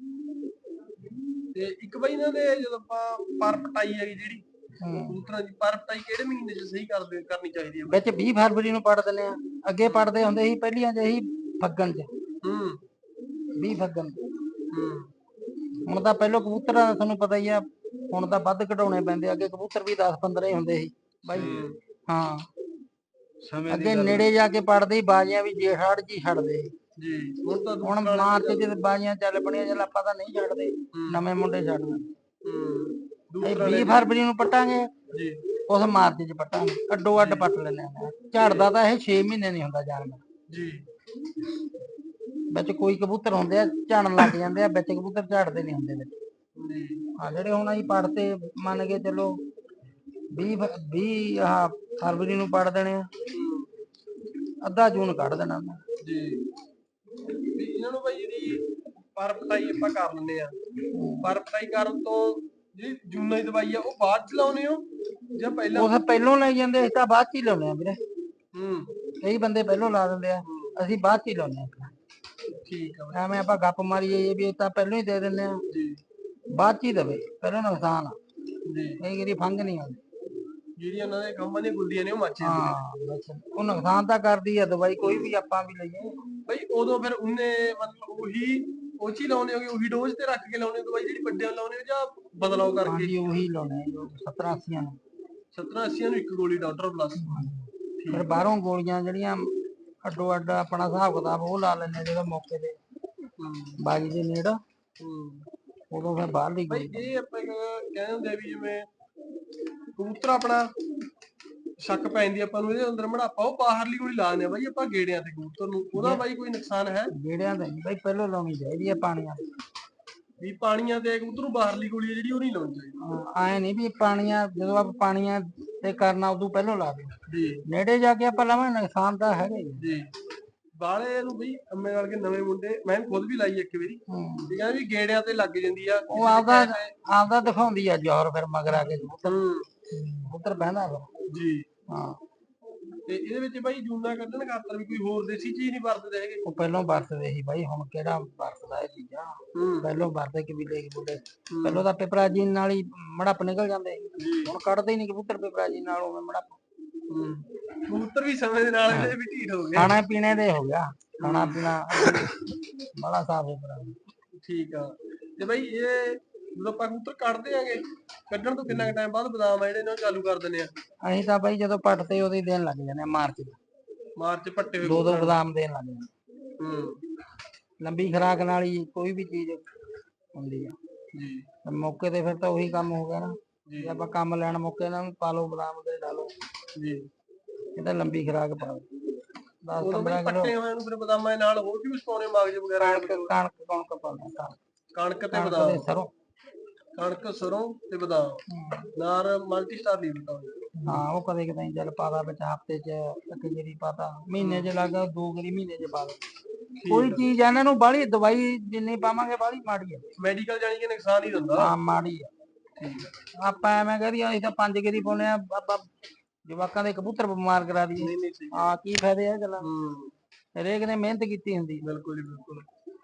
[SPEAKER 1] ਤੇ ਇੱਕ ਬਾਈ ਇਹਨਾਂ ਦੇ ਜਦੋਂ ਆਪਾਂ ਪਰ ਪਟਾਈ ਹੈਗੀ ਜਿਹੜੀ ਕਬੂਤਰਾਂ ਦੀ, ਪਰ ਪਟਾਈ ਕਿਹੜੇ ਮਹੀਨੇ 'ਚ ਸਹੀ ਕਰਨੀ ਚਾਹੀਦੀ ਹੈ?
[SPEAKER 3] ਵਿੱਚ 20 ਫਰਵਰੀ ਨੂੰ ਪੜ ਦਿੰਦੇ ਆ। ਅੱਗੇ ਪੜਦੇ ਹੁੰਦੇ ਸੀ ਪਹਿਲੀਆਂ ਚ ਹੀ ਫੱਗਣ ਚ, 20 ਫੱਗਣ। ਹੁਣ ਤਾਂ ਪਹਿਲੋਂ ਕਬੂਤਰਾਂ ਦਾ ਤੁਹਾਨੂੰ ਪਤਾ ਹੀ ਆ, ਹੁਣ ਤਾਂ ਵੱਧ ਘਟਾਉਣੇ ਪੈਂਦੇ। ਅੱਗੇ ਕਬੂਤਰ ਵੀ 10-15 ਹੀ ਹੁੰਦੇ ਸੀ ਬਾਈ। ਹਾਂ ਅੱਗੇ ਨੇੜੇ ਜਾ ਕੇ ਪੜਦੇ ਬਾਜੀਆਂ ਵੀ ਜੇਠ ਹਾੜ ਜੀ ਛੱਡਦੇ ਜੀ। ਹੁਣ ਮਾਰਚ ਚ ਬਾਜੀਆਂ ਚੱਲ ਪਣੀਆਂ, ਚੱਲ ਆਪਾਂ ਤਾਂ ਨਹੀਂ ਛੱਡਦੇ, ਨਵੇਂ ਮੁੰਡੇ ਛੱਡਦੇ। 20 ਫਰਵਰੀ ਨੂੰ ਪੱਟਾਂਗੇ, ਉਸ ਮਾਰਚ ਚ ਪੱਟਾਂਗੇ, ਅੱਡੋ ਅੱਡ ਪੱਟ ਲੈਂਦੇ ਆ। ਝੜਦਾ ਤਾਂ ਇਹ 6 ਮਹੀਨੇ ਨਹੀਂ ਹੁੰਦਾ ਜਾਨਵਰ। ਵਿੱਚ ਕੋਈ ਕਬੂਤਰ ਹੁੰਦੇ ਆ ਝੜਨ ਲੱਗ ਜਾਂਦੇ ਆ, ਵਿੱਚ ਕਬੂਤਰ ਝੜਦੇ ਨਹੀਂ ਹੁੰਦੇ ਵਿੱਚ। ਹਾਂ ਜਿਹੜੇ ਹੁਣ ਅਸੀਂ ਪੜਤੇ ਮੰਨ ਕੇ ਚਲੋ 20 ਫਰਵਰੀ ਨੂੰ ਪੜ ਦੇਣੇ ਆ, ਅੱਧਾ ਜੂਨ ਕੱਢ ਦੇਣਾ
[SPEAKER 1] ਜੀ। ਇਹਨਾਂ ਨੂੰ ਬਾਈ ਜਿਹੜੀ ਪਰ ਪਟਾਈ ਆਪਾਂ ਕਰ ਲੈਂਦੇ ਆ, ਪਰ ਪਟਾਈ ਕਰਨ ਤੋਂ ਜਿਹੜੀ ਜੂਨਾਂ ਦੀ ਦਵਾਈ ਆ ਉਹ ਬਾਅਦ ਚ ਲਾਉਨੇ ਹੋ ਜਾਂ ਪਹਿਲਾਂ?
[SPEAKER 3] ਉਹ ਪਹਿਲੋਂ ਲਾਈ ਜਾਂਦੇ, ਅਸੀਂ ਤਾਂ ਬਾਅਦ ਚ ਹੀ ਲਾਉਨੇ ਆ ਵੀਰੇ। ਕਈ ਬੰਦੇ ਪਹਿਲੋਂ ਲਾ ਦਿੰਦੇ ਆ, ਅਸੀਂ ਬਾਅਦ ਚ ਹੀ ਲਾਉਨੇ ਆ।
[SPEAKER 1] ਠੀਕ ਆ।
[SPEAKER 3] ਐਵੇਂ ਆਪਾਂ ਗੱਪ ਮਾਰੀਏ ਵੀ ਤਾਂ ਪਹਿਲੋਂ ਹੀ ਦੇ ਦਿੰਦੇ ਆ, ਬਾਅਦ ਚ ਹੀ ਦੇਵੇ, ਪਹਿਲਾਂ ਨੁਕਸਾਨ ਆ। ਕਈ ਵਾਰੀ ਫੰਗ ਨਹੀਂ ਆਉਂਦੀ, ਜਿਹੜੀਆਂ ਉਹਨਾਂ ਦੇ ਖੰਭਾਂ ਦੀਆਂ ਗੁੱਲੀਆਂ ਨੇ ਉਹ ਮੱਚ ਜਾਂਦੀਆਂ। ਉਹ ਨੁਕਸਾਨ ਤਾਂ ਕਰਦੀ ਆ ਦਵਾਈ, ਕੋਈ ਵੀ ਆਪਾਂ ਵੀ ਲਈਏ
[SPEAKER 1] ਬਈ। ਉਦੋਂ ਫਿਰ ਉਹਨੇ ਮਤਲਬ ਉਹੀ ਉਹ ਚ ਹੀ ਲਾਉਨੇ ਹੋਗੇ, ਉਹੀ ਡੋਜ਼ ਤੇ ਰੱਖ ਕੇ ਲਾਉਨੇ ਹੋ ਦਵਾਈ ਜਿਹੜੀ ਵੱਡਿਆਂ ਲਾਉਨੇ ਹੋ ਜਾਂ ਬਦਲਾਓ ਕਰਕੇ?
[SPEAKER 3] ਹਾਂਜੀ ਉਹੀ ਲਾਉਨੇ 70-80 ਨੂੰ।
[SPEAKER 1] 70-80 ਨੂੰ ਇੱਕ ਗੋਲੀ ਡਾਕਟਰ ਪਲੱਸ।
[SPEAKER 3] ਫਿਰ ਬਾਹਰੋਂ ਗੋਲੀਆਂ ਜਿਹੜੀਆਂ ਅੱਡੋ ਅੱਡ ਆਪਣਾ ਹਿਸਾਬ ਕਿਤਾਬ ਉਹ ਲਾ ਲੈਂਦੇ ਜਦੋਂ ਮੌਕੇ ਤੇ ਬਾਜੀ ਦੇ ਨੇੜ, ਉਦੋਂ ਫਿਰ ਬਾਹਰਲੀ ਗੋਲੀ।
[SPEAKER 1] ਇਹ ਆਪਾਂ ਕਹਿੰਦੇ ਹੁੰਦੇ ਆ ਵੀ ਜਿਵੇਂ ਕਬੂਤਰ ਆਪਣਾ ਸ਼ੱਕ ਪੈ ਜਾਂਦੀ ਆਪਾਂ ਨੂੰ ਇਹਦੇ ਅੰਦਰ ਮੜਾਪਾ, ਉਹ ਬਾਹਰਲੀ ਗੋਲੀ ਲਾ ਦਿੰਦੇ ਆ ਬਾਈ ਆਪਾਂ ਗੇੜਿਆਂ ਤੇ ਕਬੂਤਰ ਨੂੰ, ਉਹਦਾ ਬਾਈ ਕੋਈ ਨੁਕਸਾਨ ਹੈ?
[SPEAKER 3] ਗੇੜਿਆਂ ਤੇ ਬਾਈ ਪਹਿਲੋਂ ਲਾਉਣੀ ਚਾਹੀਦੀ ਹੈ ਪਾਣੀਆਂ
[SPEAKER 1] ਵੀ। ਪਾਣੀਆਂ ਤੇ ਕਬੂਤਰ ਨੂੰ ਬਾਹਰਲੀ ਗੋਲੀ ਹੈ ਜਿਹੜੀ ਉਹ ਨਹੀਂ ਲਾਉਣੀ ਚਾਹੀਦੀ?
[SPEAKER 3] ਆਏ ਨਹੀਂ ਵੀ ਪਾਣੀਆਂ ਜਦੋਂ ਆਪਾਂ ਪਾਣੀਆਂ ਤੇ ਕਰਨਾ ਉਦੋਂ ਪਹਿਲੋਂ ਲਾ ਦੇ ਜੀ, ਨੇੜੇ ਜਾ ਕੇ ਆਪਾਂ ਲਾਵਾਂਗੇ ਨੁਕਸਾਨ ਤਾਂ ਹੈਗਾ ਜੀ।
[SPEAKER 1] ਬਾਲੇ ਨੂੰ ਬਈ ਅੰਮੇ ਨਾਲ ਕੇ ਨਵੇਂ ਮੁੰਡੇ, ਮੈਂ ਖੁਦ ਵੀ ਲਾਈ ਇੱਕ ਵਾਰੀ, ਠੀਕ ਹੈ ਵੀ ਗੇੜਿਆਂ ਤੇ ਲੱਗ ਜਾਂਦੀ ਆ।
[SPEAKER 3] ਉਹ ਆਪਦਾ ਦਿਖਾਉਂਦੀ ਆ ਜ਼ੋਰ, ਫਿਰ ਮਗਰ ਆ ਕੇ ਕਬੂਤਰ ਬਹਿੰਦਾ ਫਿਰ ਜੀ। ਹਾਂ
[SPEAKER 1] ਤੇ ਇਹਦੇ ਵਿੱਚ ਬਾਈ ਜੂਨਾ ਕੱਢਣ ਖਾਤਰ ਵੀ ਕੋਈ ਹੋਰ ਦੇਸੀ ਚੀਜ਼ ਨਹੀਂ ਵਰਤਦੇ ਹੈਗੇ? ਉਹ
[SPEAKER 3] ਪਹਿਲਾਂ ਵਰਤਦੇ ਸੀ ਬਾਈ, ਹੁਣ ਕਿਹੜਾ ਵਰਤਦਾ ਇਹ ਚੀਜ਼ਾਂ। ਪਹਿਲਾਂ ਵਰਤਦੇ ਕਬੀਲੇ ਬੁੱਢੇ, ਪਹਿਲਾਂ ਤਾਂ ਪਿਪਰਾਜੀਨ ਨਾਲ ਹੀ ਮੜੱਪ ਨਿਕਲ ਜਾਂਦੇ, ਹੁਣ ਕੱਢਦੇ ਹੀ ਨਹੀਂ ਕਬੂਤਰ ਪਿਪਰਾਜੀਨ ਨਾਲ ਉਵੇਂ ਮੜੱਪ।
[SPEAKER 1] ਕਬੂਤਰ ਵੀ ਸਮੇਂ ਦੇ ਨਾਲ ਵੀ ਢੀਠ ਹੋ ਗਏ,
[SPEAKER 3] ਖਾਣਾ ਪੀਣੇ ਦੇ ਹੋ ਗਿਆ, ਖਾਣਾ ਪੀਣਾ ਬੜਾ ਸਾਫ ਸੁਥਰਾ।
[SPEAKER 1] ਠੀਕ ਆ। ਤੇ ਬਾਈ ਇਹ ਜਦੋਂ ਆਪਾਂ ਕਬੂਤਰ ਕੱਢਦੇ ਆਂਗੇ, ਕੱਢਣ ਤੋਂ ਕਿੰਨਾ ਟਾਈਮ ਬਾਅਦ ਬਦਾਮ ਆ ਜਿਹੜੇ ਇਹਨਾਂ ਨੂੰ ਚਾਲੂ ਕਰ ਦਿੰਦੇ ਆ?
[SPEAKER 3] ਅਸੀਂ ਤਾਂ ਬਾਈ ਜਦੋਂ ਪੱਟਦੇ ਉਹਦੇ ਦੇਣ ਲੱਗ ਜਾਂਦੇ ਆ, ਮਾਰਚ
[SPEAKER 1] ਪੱਟੇ ਹੋਏ
[SPEAKER 3] 2-2 ਬਦਾਮ ਦੇਣ ਲੱਗ ਜਾਂਦੇ। ਲੰਬੀ ਖੁਰਾਕ ਨਾਲ ਹੀ ਕੋਈ ਵੀ ਚੀਜ਼ ਹੁੰਦੀ ਆ ਜੀ। ਮੌਕੇ ਤੇ ਫਿਰ ਤਾਂ ਉਹੀ ਕੰਮ ਹੋ ਗਿਆ ਨਾ, ਜੇ ਆਪਾਂ ਕੰਮ ਲੈਣ ਮੌਕੇ ਨਾਲ ਪਾ ਲਓ ਬਦਾਮ ਦੇ ਡਾਲੋ ਜੀ, ਇਹ ਤਾਂ ਲੰਬੀ ਖੁਰਾਕ ਪਾਓ। 10-15 ਕਿਲੋ
[SPEAKER 1] ਪੱਟੇ ਹੋਏ ਨੂੰ ਫਿਰ ਬਦਾਮਾਂ ਦੇ ਨਾਲ ਹੋਰ ਵੀ ਕੁਝ ਪਾਉਣੇ, ਮਗਜ ਵਗੈਰਾ?
[SPEAKER 3] ਕਣਕ ਪਾਉਂਦੇ ਆ,
[SPEAKER 1] ਕਣਕ ਤੇ ਬਦਾਮ, ਕਣਕ ਸਰੋਂ ਤੇ ਬਦਾਮ ਨਾਲ ਮਲਟੀ ਸਟਾਰ ਨਹੀਂ ਬਤਾਉਂਦੇ।
[SPEAKER 3] ਹਾਂ ਉਹ ਕਦੇ ਕਦੇ ਚੱਲ ਪਾਦਾ ਵਿੱਚ, ਹਫਤੇ ਚ ਇੱਕ ਗੇਰੀ ਪਾਤਾ, ਮਹੀਨੇ ਚ ਲੱਗਾ 2 ਗੇਰੀ ਮਹੀਨੇ ਚ ਪਾ ਦੋ। ਕੋਈ ਚੀਜ਼ ਆ ਇਹਨਾਂ ਨੂੰ ਬਾਹਲੀ ਦਵਾਈ ਜਿੰਨੀ ਪਾਵਾਂਗੇ ਬਾਹਲੀ ਮਾੜੀ ਆ। ਮੈਡੀਕਲ
[SPEAKER 1] ਜਾਨੀ ਕਿ ਨੁਕਸਾਨ ਹੀ ਦਿੰਦਾ।
[SPEAKER 3] ਹਾਂ ਮਾੜੀ ਆ। ਆਪਾਂ ਐਵੇਂ ਕਹਦੇ ਅਸੀਂ ਤਾਂ 5 ਗੇਰੀ ਪਾਉਣੇ ਆ, ਆਪਾਂ ਜਵਾਕਾਂ ਦੇ ਕਬੂਤਰ ਬਿਮਾਰ ਕਰਾ ਦਈਏ, ਹਾਂ ਕੀ ਫਾਇਦੇ ਆ ਗੱਲਾਂ। ਹਰੇਕ ਨੇ ਮਿਹਨਤ ਕੀਤੀ ਹੁੰਦੀ।
[SPEAKER 1] ਬਿਲਕੁਲ ਜੀ ਬਿਲਕੁਲ।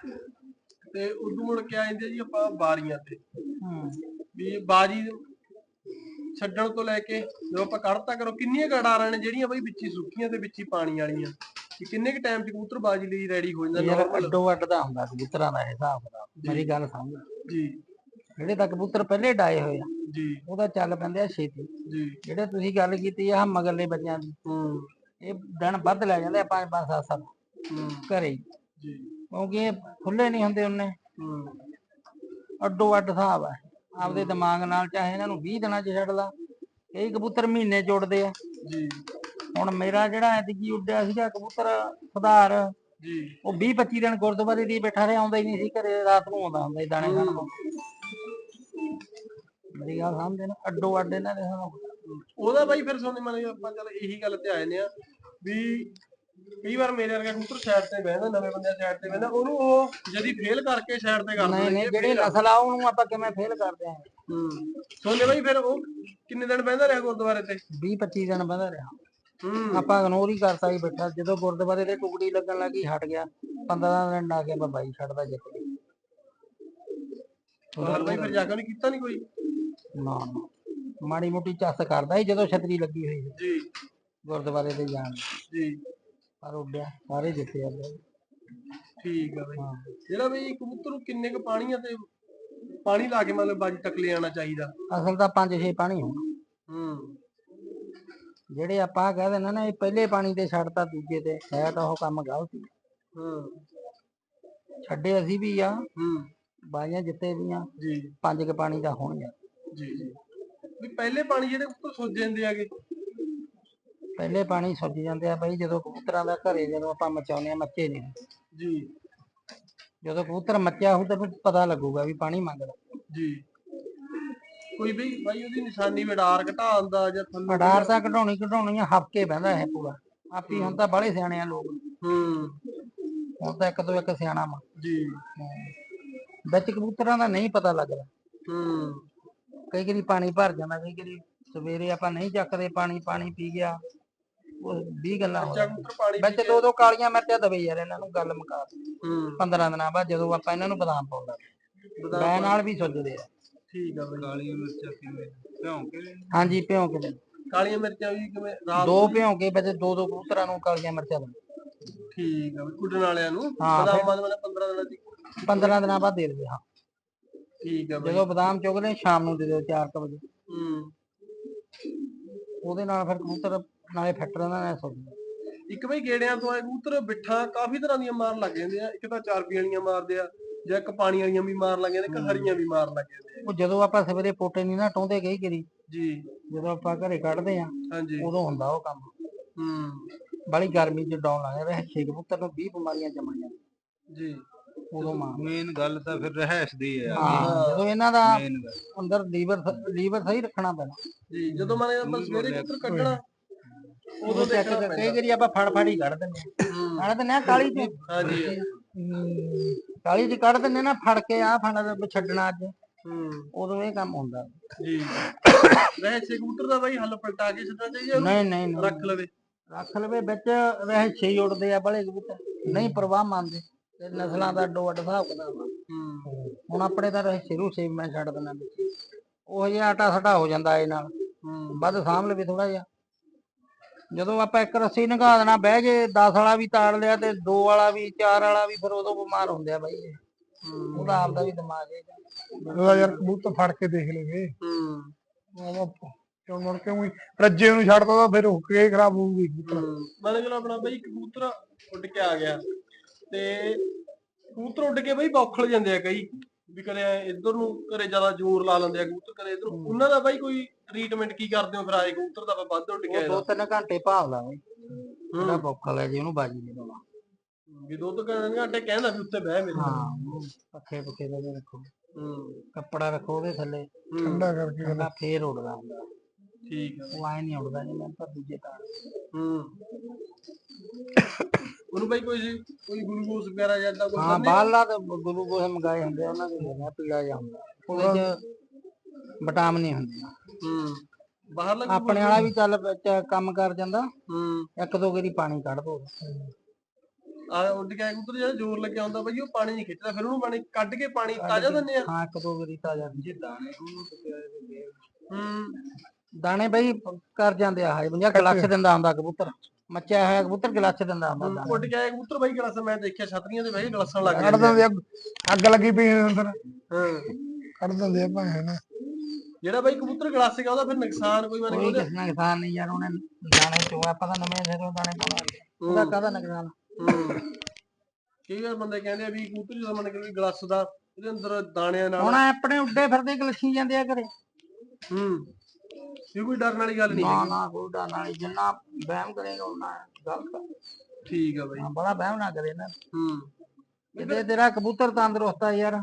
[SPEAKER 1] ਤੇ ਉਦੋਂ ਮੁੜ ਕੇ ਆ ਜਾਂਦੇ ਜੀ ਆਪਾਂ ਬਾਰੀਆਂ ਤੇ, ਵੀ ਬਾਜੀ ਛੱਡਣ ਤੋਂ ਲੈ ਕੇ ਜਦੋਂ ਆਪਾਂ ਕੱਢਤਾ ਕਰੋ, ਕਿੰਨੀਆਂ ਗੜਾਰਾਂ ਨੇ ਜਿਹੜੀਆਂ ਬਈ ਵਿੱਚ ਹੀ ਸੁੱਕੀਆਂ ਤੇ ਵਿੱਚ ਹੀ ਪਾਣੀ ਵਾਲੀਆਂ, ਕਿੰਨੇ ਕੁ ਟਾਈਮ ਚ ਕਬੂਤਰ ਬਾਜੀ ਲਈ ਰੈਡੀ ਹੋ ਜਾਂਦਾ?
[SPEAKER 3] ਅੱਡੋ ਅੱਡ ਦਾ ਹੁੰਦਾ ਕਬੂਤਰਾਂ ਦਾ ਹਿਸਾਬ ਦਾ, ਮੇਰੀ ਗੱਲ ਸਮਝ ਜੀ। ਜਿਹੜੇ ਤਾਂ ਕਬੂਤਰ ਪਹਿਲੇ ਡਾਏ ਹੋਏ ਆ
[SPEAKER 1] ਜੀ
[SPEAKER 3] ਉਹਦਾ ਚੱਲ ਪੈਂਦੇ ਆ ਛੇਤੀ।
[SPEAKER 1] ਜੀ
[SPEAKER 3] ਜਿਹੜੇ ਤੁਸੀਂ ਗੱਲ ਕੀਤੀ ਆ ਮਗਰਲੇ ਬੱਚਿਆਂ ਦੀ, ਇਹ ਦਿਨ ਵੱਧ ਲੈ ਜਾਂਦੇ ਆ 5-5 7-7 ਘਰੇ ਹੀ,
[SPEAKER 1] ਜੀ
[SPEAKER 3] ਕਿਉਂਕਿ ਇਹ ਖੁੱਲੇ ਨਹੀਂ ਹੁੰਦੇ ਉਹਨੇ। ਅੱਡੋ ਅੱਡ ਹਿਸਾਬ ਆ ਆਪਦੇ ਦਿਮਾਗ ਨਾਲ, ਚਾਹੇ ਇਹਨਾਂ ਨੂੰ 20 ਦਿਨਾਂ 'ਚ ਛੱਡ ਲਾ, ਕਈ ਕਬੂਤਰ ਮਹੀਨੇ 'ਚ ਉੱਡਦੇ ਆ।
[SPEAKER 1] ਜੀ
[SPEAKER 3] ਹੁਣ ਮੇਰਾ ਜਿਹੜਾ ਐਤਕੀ ਉੱਡਿਆ ਸੀਗਾ ਕਬੂਤਰ ਸੁਧਾਰ,
[SPEAKER 1] ਜੀ
[SPEAKER 3] ਉਹ 20-25 ਦਿਨ ਗੁਰਦੁਆਰੇ ਦੀ ਬੈਠਾ ਰਿਹਾ, ਆਉਂਦਾ ਹੀ ਨਹੀਂ ਸੀ ਘਰੇ, ਰਾਤ ਨੂੰ ਆਉਂਦਾ ਹੁੰਦਾ ਸੀ ਦਾਣੇ ਖਾਣ ਨੂੰ। ਮੇਰੀ ਗੱਲ ਸਮਝਦੇ ਨਾ, ਅੱਡੋ ਅੱਡ ਇਹਨਾਂ ਦੇ ਹਿਸਾਬ।
[SPEAKER 1] ਉਹਦਾ ਬਾਈ ਫਿਰ ਸੁਣਨੇ ਮਾਨੇ ਆਪਾਂ ਚੱਲ ਇਹੀ ਗੱਲ ਤੇ ਆਏ ਨੇ ਆ ਵੀ ਕਈ ਵਾਰ ਮੇਰੇ ਵਰਗਾ ਕਬੂਤਰ ਸਾਈਡ ਤੇ ਬਹਿੰਦਾ, ਨਵੇਂ ਬੰਦੇ ਸਾਈਡ ਤੇ ਬਹਿੰਦਾ, ਉਹਨੂੰ ਉਹ ਜਦੀ ਫੇਲ ਕਰਕੇ ਸਾਈਡ ਤੇ ਕਰ ਦਿੰਦੇ
[SPEAKER 3] ਨਹੀਂ, ਜਿਹੜੀ ਨਸਲ ਆ ਉਹਨੂੰ ਆਪਾਂ ਕਿਵੇਂ ਫੇਲ ਕਰਦੇ ਆ।
[SPEAKER 1] ਸੋਨੇ ਬਾਈ ਫਿਰ ਉਹ ਕਿੰਨੇ ਦਿਨ ਬਹਿੰਦਾ ਰਿਹਾ ਗੁਰਦੁਆਰੇ ਤੇ?
[SPEAKER 3] 20-25 ਦਿਨ ਬਹਿੰਦਾ ਰਿਹਾ। ਆਪਾਂ ਇਗਨੋਰ ਹੀ ਕਰਤਾ ਹੀ ਬੈਠਾ, ਜਦੋਂ ਗੁਰਦੁਆਰੇ ਤੇ ਟੁਕੜੀ ਲੱਗਣ ਲੱਗੀ ਹਟ ਗਿਆ। 15 ਦਿਨ ਲਾ ਕੇ ਬਾਈ ਛੱਡਦਾ ਜਿੱਤ ਗਿਆ।
[SPEAKER 1] ਬਾਈ ਫਿਰ ਜਾ ਕੇ ਉਹਨੇ ਕੀਤਾ ਨਹੀਂ ਕੋਈ?
[SPEAKER 3] ਨਾ ਮਾੜੀ ਮੋਟੀ ਚੱਸ ਕਰਦਾ ਸੀ ਜਦੋਂ ਛਤਰੀ ਲੱਗੀ ਹੋਈ ਸੀ
[SPEAKER 1] ਜੀ
[SPEAKER 3] ਗੁਰਦੁਆਰੇ ਤੇ ਜਾਣ
[SPEAKER 1] ਜੀ,
[SPEAKER 3] ਪਰ ਉੱਡਿਆ ਸਾਰੇ ਜਿੱਤੇ ਆ।
[SPEAKER 1] ਠੀਕ ਆ ਬਾਈ। ਜਿਹੜਾ ਬਈ ਕਬੂਤਰ ਨੂੰ ਕਿੰਨੇ ਕੁ ਪਾਣੀ ਆ ਤੇ ਪਾਣੀ ਲਾ ਕੇ ਮਤਲਬ ਬਾਜੀ ਤੱਕ ਲੈ ਆਉਣਾ ਚਾਹੀਦਾ?
[SPEAKER 3] ਅਸਲ ਤਾਂ 5-6 ਪਾਣੀ ਹੋਣਾ। ਜਿਹੜੇ ਆਪਾਂ ਕਹਿ ਦਿੰਦੇ ਨਾ ਇਹ ਪਹਿਲੇ ਪਾਣੀ ਤੇ ਛੱਡਤਾ ਦੂਜੇ ਤੇ, ਹੈ ਤਾਂ ਉਹ ਕੰਮ ਗਲਤ ਹੀ। ਛੱਡੇ ਅਸੀਂ ਵੀ ਆ, ਬਾਈਆਂ ਜਿੱਤੇ ਵੀ ਆ ਜੀ। 5 ਕੁ ਪਾਣੀ ਦਾ ਹੋਣਗੇ
[SPEAKER 1] ਜੀ ਜੀ। ਵੀ ਪਹਿਲੇ ਪਾਣੀ ਜਿਹੜੇ ਕਬੂਤਰ ਸੁੱਜ ਜਾਂਦੇ ਆਗੇ?
[SPEAKER 3] ਪਹਿਲੇ ਪਾਣੀ ਸੁੱਜ ਜਾਂਦੇ ਆ ਬਾਈ ਜਦੋਂ ਕਬੂਤਰਾਂ ਦਾ ਘਰੇ ਜਦੋਂ ਆਪਾਂ ਮਚਾਉਂਦੇ ਆ, ਮੱਚੇ ਨੇ
[SPEAKER 1] ਜੀ। ਜਦੋਂ
[SPEAKER 3] ਕਬੂਤਰ ਮੱਚਿਆ ਹੋਊ ਤੈਨੂੰ ਪਤਾ ਲੱਗੂਗਾ ਵੀ ਪਾਣੀ ਮੰਗਦਾ
[SPEAKER 1] ਜੀ। ਕੋਈ ਵੀ ਬਾਈ ਉਹਦੀ ਨਿਸ਼ਾਨੀ ਵਡਾਰ ਘਟਾਉਣ ਦਾ ਜਾਂ ਥੱਲੇ
[SPEAKER 3] ਵਡਾਰ ਤਾਂ ਘਟਾਉਣੀ ਆ, ਹਫਕੇ ਬਹਿੰਦਾ ਇਹ ਪੂਰਾ ਆਪੀ। ਹੁਣ ਤਾਂ ਬਾਹਲੇ ਸਿਆਣੇ ਆ ਲੋਕ, ਹੁਣ ਤਾਂ ਇੱਕ ਤੋਂ ਇੱਕ ਸਿਆਣਾ ਵਾ ਜੀ। ਵਿੱਚ ਕਬੂਤਰਾਂ ਦਾ ਨਹੀਂ ਪਤਾ ਲੱਗਦਾ। ਕਈ ਵਾਰੀ ਪਾਣੀ ਭਰ ਜਾਂਦਾ, ਕਈ ਵਾਰੀ ਸਵੇਰੇ ਆਪਾਂ ਨਹੀਂ ਚੱਕਦੇ ਪਾਣੀ ਪੀ ਗਿਆ, ਉਹ 20 ਗੱਲਾਂ ਵਿੱਚ 2-2 ਕਾਲੀਆਂ ਮਿਰਚਾਂ ਦਵੇ ਯਾਰ ਇਹਨਾਂ ਨੂੰ, ਗੱਲ ਮੁਕਾ 15 ਦਿਨਾਂ ਬਾਅਦ ਜਦੋਂ ਆਪਾਂ ਇਹਨਾਂ ਨੂੰ ਬਦਾਮ ਪਾਉਂਦਾ ਮੈਂ ਨਾਲ ਵੀ ਸੁੱਜਦੇ ਆ। ਠੀਕ ਆ ਬਈ। ਕਾਲੀਆਂ ਮਿਰਚਾਂ ਕਿਵੇਂ ਭਿਉਂ ਕੇ? ਹਾਂਜੀ ਭਿਉਂ ਕੇ। ਕਾਲੀਆਂ ਮਿਰਚਾਂ ਵੀ ਕਿਵੇਂ? ਰਾਤ 2 ਭਿਉਂ ਕੇ ਵਿੱਚ 2-2 ਕਬੂਤਰਾਂ ਨੂੰ ਕਾਲੀਆਂ ਮਿਰਚਾਂ ਦੇ। ਠੀਕ ਆ ਬਈ। ਉੱਡਣ ਵਾਲਿਆਂ ਨੂੰ ਬਦਾਮਾਂ ਦੇ 15 ਦਿਨਾਂ ਦੀ 15 ਦਿਨਾਂ ਬਾਅਦ ਦੇ ਦਿਓ। ਹਾਂ ਠੀਕ ਆ ਬਈ। ਜਦੋਂ ਬਦਾਮ ਚੁਗਦੇ ਸ਼ਾਮ ਨੂੰ ਦੇ ਦਿਓ 4 ਵਜੇ। ਉਹਦੇ ਨਾਲ ਫਿਰ ਕਬੂਤਰ ਨਾਲੇ ਫਿੱਟ ਰਹਿੰਦਾ ਨਾਲੇ ਸੁੱਜਦਾ। ਇੱਕ ਬਈ ਗੇੜਿਆਂ ਤੋਂ ਆਏ ਕਬੂਤਰ ਬਿੱਠਾਂ ਕਾਫੀ ਤਰ੍ਹਾਂ ਦੀਆਂ ਮਾਰਨ ਲੱਗ ਜਾਂਦੇ ਆ। ਇੱਕ ਤਾਂ ਚਾਰਪੀ ਵਾਲੀਆਂ ਮਾਰਦੇ ਆ, ਜਾਂ ਇੱਕ ਪਾਣੀ ਵਾਲੀਆਂ ਵੀ ਮਾਰਨ ਲੱਗ ਜਾਂਦੇ, ਇੱਕ ਹਰੀਆਂ ਵੀ ਮਾਰਨ ਲੱਗ ਜਾਂਦੇ। ਉਹ ਜਦੋਂ ਆਪਾਂ ਸਵੇਰੇ ਪੋਟੇ ਨਹੀਂ ਨਾ ਟੋਂਦੇ ਗਈ ਕਰੀ ਜੀ, ਜਦੋਂ ਆਪਾਂ ਘਰੇ ਕੱਢਦੇ ਆ ਉਦੋਂ ਹੁੰਦਾ ਉਹ ਕੰਮ। ਬਾਲੀ ਗਰਮੀ ਚ ਡਾਉਣ ਲੱਗ ਰਿਹਾ 6 ਕਬੂਤਰ ਨੂੰ 20 ਬਿਮਾਰੀਆਂ ਜੰਮਣੀਆਂ ਜੀ। ਉਦੋਂ ਮੇਨ ਗੱਲ ਤਾਂ ਫਿਰ ਰਹਿਸ਼ ਦੀ ਹੈ। ਜਦੋਂ ਇਹਨਾਂ ਦਾ ਅੰਦਰ ਲੀਵਰ ਸਹੀ ਰੱਖਣਾ ਪੈਣਾ ਜੀ। ਜਦੋਂ ਮਾਨੇ ਆਪਾਂ ਸਵੇਰੇ ਕਬੂਤਰ ਕੱਢਣਾ ਉਦੋਂ ਦੇਖਣਾ ਪੈਂਦਾ। ਕਈ ਵਾਰੀ ਆਪਾਂ ਫੜ ਹੀ ਕੱਢ ਦਿੰਦੇ ਆ ਕਾਲੀ ਚ। ਹਾਂਜੀ ਕਾਲੀ ਚ ਕੱਢ ਦਿੰਦੇ ਨਾ, ਫੜ ਕੇ ਆ ਫੜ ਛੱਡਣਾ ਅੱਜ, ਉਦੋਂ ਇਹ ਕੰਮ ਹੁੰਦਾ ਜੀ। ਰਹਿਸ਼ ਕਬੂਤਰ ਦਾ ਬਾਈ ਹੱਲ ਪਲਟਾ ਕੇ ਛੱਡਣਾ ਚਾਹੀਦਾ? ਨਹੀਂ ਰੱਖ ਲਵੇ ਵਿੱਚ। ਰਹਿਸ਼ ਹੀ ਉੱਡਦੇ ਆ ਬੜੇ ਕਬੂਤਰ, ਨਹੀਂ ਪ੍ਰਵਾਹ ਮੰਨਦੇ। ਨਸਲਾਂ ਦਾ ਅੱਡੋ ਅੱਡ ਹਿਸਾਬ ਕਿਤਾਬ। ਹੁਣ ਆਪਣੇ ਤਾਂ ਸ਼ੁਰੂ ਸੇ ਮੈਂ ਛੱਡ ਦਿੰਦਾ, ਉਹ ਜਿਹਾ ਆਟਾ ਸਾਟਾ ਹੋ ਜਾਂਦਾ ਇਹ ਨਾਲ, ਵੱਧ ਸਾਂਭ ਲਵੇ ਥੋੜਾ ਜਿਹਾ। ਜਦੋਂ ਆਪਾਂ ਇੱਕ ਰੱਸੀ ਨੰਗਾ ਦੇਣਾ ਬਹਿ ਜੇ, 10 ਵਾਲਾ ਵੀ ਤਾੜ ਲਿਆ ਤੇ 2 ਵਾਲਾ ਵੀ 4 ਵਾਲਾ ਵੀ, ਫਿਰ ਉਦੋਂ ਬਿਮਾਰ ਹੁੰਦੇ ਆ ਬਾਈ। ਉਹਦਾ ਆਪਦਾ ਵੀ ਦਿਮਾਗ ਹੈ
[SPEAKER 2] ਯਾਰ, ਕਬੂਤਰ ਫੜ ਕੇ ਦੇਖ ਲਵੇ। ਕਿਉਂ ਮੁੜ ਕੇ ਰੱਜੇ ਨੂੰ ਛੱਡਦਾ ਤਾਂ ਫਿਰ ਹੁੱਕ ਕੇ ਖਰਾਬ ਹੋਊਗੀ ਕਬੂਤਰ।
[SPEAKER 1] ਮਤਲਬ ਚਲੋ ਆਪਣਾ ਬਈ ਕਬੂਤਰ ਉੱਡ ਕੇ ਆ ਗਿਆ ਤੇ ਕਬੂਤਰ ਉੱਡ ਕੇ ਬਈ ਬੌਖਲ ਜਾਂਦੇ ਆ ਕਈ, ਵੀ ਕਦੇ ਇੱਧਰ ਨੂੰ ਘਰੇ ਜ਼ਿਆਦਾ ਜ਼ੋਰ ਲਾ ਲੈਂਦੇ ਆ ਕਬੂਤਰ, ਕਦੇ ਇੱਧਰ। ਉਹਨਾਂ ਦਾ ਬਾਈ ਕੋਈ ਟ੍ਰੀਟਮੈਂਟ ਕੀ ਕਰਦੇ ਹੋ ਫਿਰ ਆਏ ਕਬੂਤਰ ਦਾ ਵੱਧ ਉੱਡ ਕੇ?
[SPEAKER 3] 2-3 ਘੰਟੇ ਭਾਵ ਬਈ ਜਿਹੜਾ ਬੌਖਲ ਹੈ ਜੀ, ਉਹਨੂੰ ਬਾਜੀ ਨਹੀਂ ਲਾਉਣਾ
[SPEAKER 1] ਵੀ 2-3 ਘੰਟੇ ਕਹਿੰਦਾ ਵੀ ਉੱਤੇ ਬਹਿ ਮੇਰੇ।
[SPEAKER 3] ਹਾਂ ਪੱਖੇ ਦੇ ਰੱਖੋ, ਕੱਪੜਾ ਰੱਖੋ ਉਹਦੇ ਥੱਲੇ
[SPEAKER 2] ਠੰਡਾ ਕਰਕੇ,
[SPEAKER 3] ਫੇਰ ਉੱਡਦਾ ਹੁੰਦਾ।
[SPEAKER 1] ਠੀਕ ਆ।
[SPEAKER 3] ਉਹ ਆਏ ਨਹੀਂ ਉੱਡਦਾ ਜਿਵੇਂ ਪਰ ਦੂਜੇ ਤਾਂ
[SPEAKER 1] ਉਹਨੂੰ ਬਾਈ ਕੋਈ ਗਲੂਕੋਜ਼ ਵਗੈਰਾ ਜਾਂ ਇਦਾਂ ਕੁਝ?
[SPEAKER 3] ਹਾਂ ਬਾਹਰਲਾ ਤਾਂ ਗਲੂਕੋਜ਼ ਮੰਗਾਏ ਹੁੰਦੇ ਉਹਨਾਂ ਦੇ, ਪੀਲਾ ਜਿਹਾ ਹੁੰਦਾ, ਉਹਦੇ ਚ ਵਿਟਾਮਿਨ ਨਹੀਂ ਹੁੰਦੇ।
[SPEAKER 1] ਬਾਹਰਲਾ
[SPEAKER 3] ਆਪਣੇ ਵਾਲਾ ਵੀ ਚੱਲ ਕੰਮ ਕਰ ਜਾਂਦਾ। 1-2 ਵਾਰੀ ਪਾਣੀ ਕੱਢ ਦੋ।
[SPEAKER 1] ਉੱਡ ਕੇ ਕਬੂਤਰ ਜਿਹੜਾ ਜ਼ੋਰ ਲੱਗਿਆ ਹੁੰਦਾ ਬਈ ਉਹ ਪਾਣੀ ਨਹੀਂ ਖਿੱਚਦਾ, ਫਿਰ ਉਹਨੂੰ ਪਾਣੀ ਕੱਢ ਕੇ ਪਾਣੀ ਤਾਜ਼ਾ ਦਿੰਦੇ ਆ?
[SPEAKER 3] ਹਾਂ 1-2 ਵਾਰੀ ਤਾਜ਼ਾ। ਦਾਣੇ ਬਈ ਕਰ ਜਾਂਦੇ ਆ ਜਾਂ ਗਲਾਸ ਦਿੰਦਾ ਹੁੰਦਾ ਕਬੂਤਰ, ਮੱਚਿਆ ਹੋਇਆ ਕਬੂਤਰ ਗਲਾਸ ਦਿੰਦਾ ਹੁੰਦਾ।
[SPEAKER 1] ਉੱਡ ਕੇ ਆਏ ਕਬੂਤਰ ਬਾਈ ਗਲਾਸ ਮੈਂ ਦੇਖਿਆ ਛਤਰੀਆਂ ਦੇ ਬਈ ਗਲਾਸਾਂ ਲੱਗ
[SPEAKER 2] ਜਾਂਦੇ। ਅੱਗ ਲੱਗੀ ਪਈ ਅੰਦਰ ਕੱਢ ਦਿੰਦੇ ਆ ਭਾਵੇਂ ਨਾ।
[SPEAKER 1] ਜਿਹੜਾ ਬਾਈ ਕਬੂਤਰ ਗਲਾਸਿਕ ਆ ਉਹਦਾ ਫਿਰ ਨੁਕਸਾਨ ਕੋਈ ਮਨ
[SPEAKER 3] ਕੋਈ ਕਿਸ ਨੁਕਸਾਨ ਨਹੀਂ ਯਾਰ, ਉਹਨੇ ਦਾਣੇ ਚੋਂ ਆਪਾਂ ਤਾਂ ਨਵੇਂ ਸਿਰੋਂ ਦਾਣੇ ਪਾਉਣੇ, ਉਹਦਾ ਕਾਹਦਾ ਨੁਕਸਾਨ।
[SPEAKER 1] ਕਈ ਵਾਰ ਬੰਦੇ ਕਹਿੰਦੇ ਆ ਵੀ ਕਬੂਤਰ ਜਦੋਂ ਮੰਨ ਕੇ ਗਲਾਸ ਦਾ ਉਹਦੇ ਅੰਦਰ ਦਾਣਿਆਂ ਨਾਲ
[SPEAKER 3] ਹੁਣ ਆਪਣੇ ਉੱਡੇ ਫਿਰਦੇ ਗਲਛੀ ਜਾਂਦੇ ਆ ਘਰੇ।
[SPEAKER 1] ਇਹ ਕੋਈ ਡਰਨ ਵਾਲੀ ਗੱਲ ਨਹੀਂ
[SPEAKER 3] ਨਾ ਨਾ ਕੋਈ ਡਰ ਨਹੀਂ, ਜਿੰਨਾ ਵਹਿਮ ਕਰੇਗਾ ਉਹਨਾਂ ਗਲਤ ਆ।
[SPEAKER 1] ਠੀਕ ਆ ਬਾਈ।
[SPEAKER 3] ਬੜਾ ਵਹਿਮ ਨਾ ਕਰੇ ਨਾ। ਜਿੱਦੇ ਤੇਰਾ ਕਬੂਤਰ ਤੰਦਰੁਸਤ ਆ ਯਾਰ,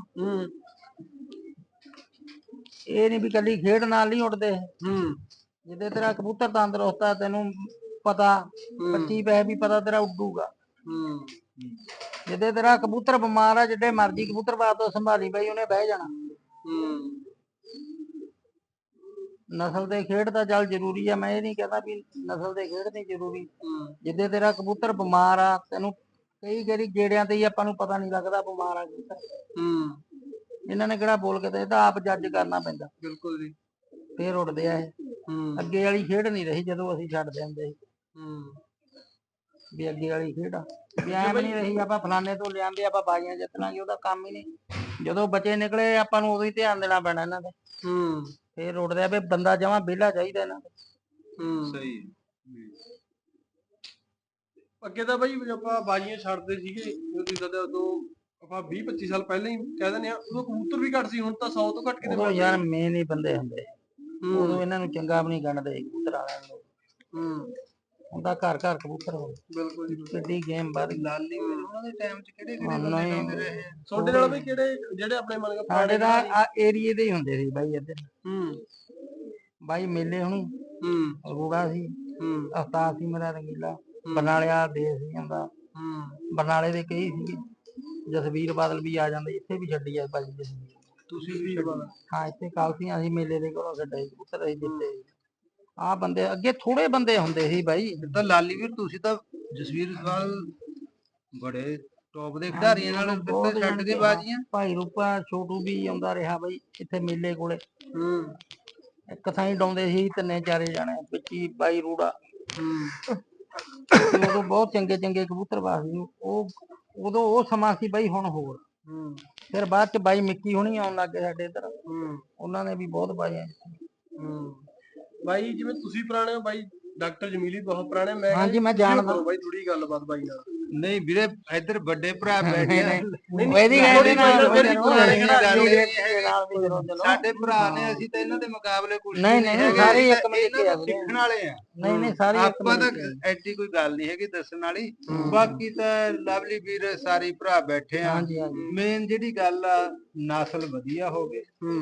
[SPEAKER 3] ਇਹ ਨਹੀਂ ਵੀ ਕੱਲੀ ਖੇਡ ਨਾਲ ਨਹੀਂ ਉੱਡਦੇ। ਜਿੱਦੇ ਤੇਰਾ ਕਬੂਤਰ ਤੰਦਰੁਸਤ ਆ, ਤੈਨੂੰ ਪਤਾ 25 ਪੈਸੇ ਵੀ ਪਤਾ ਤੇਰਾ ਉੱਡੂਗਾ। ਜਿੱਦੇ ਤੇਰਾ ਕਬੂਤਰ ਬਿਮਾਰ ਆ, ਜਿੱਡੇ ਮਰਜੀ ਕਬੂਤਰ ਬਾਤ ਤੋਂ ਸੰਭਾਲੀ ਬਈ ਉਹਨੇ ਬਹਿ ਜਾਣਾ। ਨਸਲ ਦੇ ਖੇਡ ਤਾਂ ਚੱਲ ਜ਼ਰੂਰੀ ਆ, ਮੈਂ ਇਹ ਨਹੀਂ ਕਹਿੰਦਾ ਵੀ ਨਸਲ ਦੇ ਖੇਡ ਨਹੀਂ ਜ਼ਰੂਰੀ। ਜਿੱਦੇ ਤੇਰਾ ਕਬੂਤਰ ਬਿਮਾਰ ਆ, ਤੈਨੂੰ ਕਈ ਵਾਰੀ ਗੇੜਿਆਂ ਤੇ ਹੀ ਆਪਾਂ ਨੂੰ ਪਤਾ ਨਹੀਂ ਲੱਗਦਾ ਬਿਮਾਰ ਆ ਕਬੂਤਰ। ਇਹਨਾਂ ਨੇ ਕਿਹੜਾ ਬੋਲ ਕੇ ਤੇ, ਇਹ ਤਾਂ ਆਪ ਜੱਜ ਕਰਨਾ ਪੈਂਦਾ।
[SPEAKER 1] ਬਿਲਕੁਲ ਜੀ।
[SPEAKER 3] ਫੇਰ ਉੱਡਦੇ ਆ ਇਹ। ਅੱਗੇ ਵਾਲੀ ਖੇਡ ਨਹੀਂ ਰਹੀ ਜਦੋਂ ਅਸੀਂ ਛੱਡਦੇ ਹੁੰਦੇ ਸੀ ਵੀ ਅੱਗੇ ਵਾਲੀ ਖੇਡ ਆ ਵੀ ਐਵੇਂ ਨਹੀਂ ਰਹੀ ਆਪਾਂ ਫਲਾਣੇ ਤੋਂ ਲਿਆਂਦੇ ਆਪਾਂ ਬਾਜ਼ੀਆਂ ਜਿੱਤ ਲਾਂਗੇ, ਉਹਦਾ ਕੰਮ ਹੀ ਨਹੀਂ। ਜਦੋਂ ਬੱਚੇ ਨਿਕਲੇ ਆਪਾਂ ਨੂੰ ਉਦੋਂ ਹੀ ਧਿਆਨ ਦੇਣਾ ਪੈਣਾ ਇਹਨਾਂ ਤੇ। ਫੇਰ ਉੱਡਦੇ ਆ ਵੀ ਬੰਦਾ ਜਮਾਂ ਵਿਹਲਾ ਚਾਹੀਦਾ ਇਹਨਾਂ ਤੇ।
[SPEAKER 1] ਸਹੀ। ਅੱਗੇ ਤਾਂ ਬਾਈ ਆਪਾਂ ਬਾਜ਼ੀਆਂ ਛੱਡਦੇ ਸੀਗੇ ਉਦੋਂ ਆਪਾਂ 20-25 ਸਾਲ ਪਹਿਲਾਂ ਹੀ ਕਹਿ ਦਿੰਦੇ ਆ, ਉਦੋਂ ਕਬੂਤਰ ਵੀ ਘੱਟ ਸੀ, ਹੁਣ ਤਾਂ 100 ਤੋਂ ਘੱਟ ਕਿਤੇ
[SPEAKER 3] ਉਦੋਂ ਯਾਰ ਮੇਨ ਹੀ ਬੰਦੇ ਹੁੰਦੇ, ਉਦੋਂ ਇਹਨਾਂ ਨੂੰ ਚੰਗਾ ਵੀ ਨਹੀਂ ਗਣਦੇ ਕਬੂਤਰ ਵਾਲਿਆਂ ਨੂੰ। ਹੁੰਦਾ ਘਰ ਘਰ ਕਬੂਤਰ ਹੋਵੇ।
[SPEAKER 1] ਬਿਲਕੁਲ ਜੀ।
[SPEAKER 3] ਕਿੱਡੀ ਗੇਮ ਵੱਧ ਗਈ।
[SPEAKER 1] ਲਾਲੀ ਉਹਨਾਂ ਦੇ ਟਾਈਮ 'ਚ ਕਿਹੜੇ ਬੰਦੇ ਰਹੇ ਤੁਹਾਡੇ ਨਾਲ ਵੀ, ਕਿਹੜੇ ਜਿਹੜੇ ਆਪਣੇ ਮਨ
[SPEAKER 3] ਸਾਡੇ ਦਾ ਏਰੀਏ ਦੇ ਹੀ ਹੁੰਦੇ ਸੀ ਬਾਈ ਇੱਧਰ। ਬਾਈ ਮੇਲੇ ਹੁਣੀ ਰੂੜਾ ਸੀ, ਉਸਤਾਦ ਸੀ ਮੇਰਾ ਰੰਗੀਲਾ, ਬਰਨਾਲੇ ਵਾਲਾ ਦੇਸ਼ ਸੀ ਹੁੰਦਾ, ਬਰਨਾਲੇ ਦੇ ਕਈ ਸੀਗੇ। ਜਸਵੀਰ ਬਾਦਲ ਵੀ ਆ ਜਾਂਦੇ, ਇੱਥੇ ਵੀ ਛੱਡੀ ਆ ਭਾਜੀ ਜਸਵੀਰ।
[SPEAKER 1] ਤੁਸੀਂ ਵੀ?
[SPEAKER 3] ਹਾਂ, ਇੱਥੇ ਕਾਲਸੀਆਂ ਅਸੀਂ ਮੇਲੇ ਦੇ ਕੋਲੋਂ ਛੱਡੇ ਕਬੂਤਰ ਅਸੀਂ ਦਿੱਤੇ। ਆਹ ਬੰਦੇ ਅੱਗੇ ਥੋੜੇ ਬੰਦੇ ਹੁੰਦੇ ਸੀ ਬਾਈ।
[SPEAKER 4] ਤਾਂ ਲਾਲੀ ਵੀਰ ਤੁਸੀਂ ਤਾਂ ਜਸਵੀਰ ਨਾਲ ਬੜੇ ਟੌਪ ਦੇ ਖਿਡਾਰੀਆਂ ਨਾਲ ਛੱਡ ਕੇ ਬਾਜ਼ੀਆਂ।
[SPEAKER 3] ਭਾਈ ਰੂਪਾ ਛੋਟੂ ਵੀ ਆਉਂਦਾ ਰਿਹਾ ਬਾਈ ਇੱਥੇ ਮੇਲੇ ਕੋਲੇ। ਇੱਕ ਥਾਂ ਹੀ ਡਾਉਂਦੇ ਸੀ ਤਿੰਨੇ ਚਾਰੇ ਜਾਣੇ, ਵਿੱਚੀ ਬਾਈ ਰੂੜਾ। ਉਦੋਂ ਬਹੁਤ ਚੰਗੇ ਚੰਗੇ ਕਬੂਤਰ ਬਾਜ਼ ਸੀ ਉਹ, ਉਦੋਂ ਉਹ ਸਮਾਂ ਸੀ ਬਾਈ। ਹੁਣ ਹੋਰ ਫਿਰ ਬਾਅਦ ਚ ਬਾਈ ਮਿੱਕੀ ਹੁਣੀ ਆਉਣ ਲੱਗ ਗਏ ਸਾਡੇ ਇੱਧਰ, ਉਹਨਾਂ ਨੇ ਵੀ ਬਹੁਤ ਬਾਜ਼ੀਆਂ
[SPEAKER 1] ਬਾਈ। ਜਿਵੇਂ ਤੁਸੀਂ ਪੁਰਾਣੇ ਹੋ ਬਾਈ, ਡਾਕਟਰ ਜਮੀਲੀ ਬਹੁਤ ਪੁਰਾਣੇ। ਮੈਂ
[SPEAKER 3] ਹਾਂਜੀ ਮੈਂ ਜਾਣਦਾ
[SPEAKER 1] ਬਾਈ ਥੋੜੀ ਗੱਲਬਾਤ ਬਾਈ ਨਾਲ।
[SPEAKER 4] ਨਹੀਂ ਵੀਰੇ, ਇੱਧਰ ਵੱਡੇ ਭਰਾ ਬੈਠੇ ਆ, ਸਾਡੇ ਭਰਾ ਨੇ, ਅਸੀਂ ਤਾਂ ਇਹਨਾਂ ਦੇ ਮੁਕਾਬਲੇ ਕੁਝ
[SPEAKER 3] ਨਹੀਂ ਸਾਰੇ ਇੱਕ
[SPEAKER 4] ਸਿੱਖਣ ਵਾਲੇ ਆ।
[SPEAKER 3] ਨਹੀਂ ਸਾਰੇ
[SPEAKER 4] ਆਪਾਂ ਤਾਂ ਐਡੀ ਕੋਈ ਗੱਲ ਨਹੀਂ ਹੈਗੀ ਦੱਸਣ ਵਾਲੀ। ਬਾਕੀ ਤਾਂ ਲਵਲੀ ਵੀਰ ਸਾਰੇ ਭਰਾ ਬੈਠੇ ਆ। ਮੇਨ ਜਿਹੜੀ ਗੱਲ ਆ, ਨਸਲ ਵਧੀਆ ਹੋਵੇ,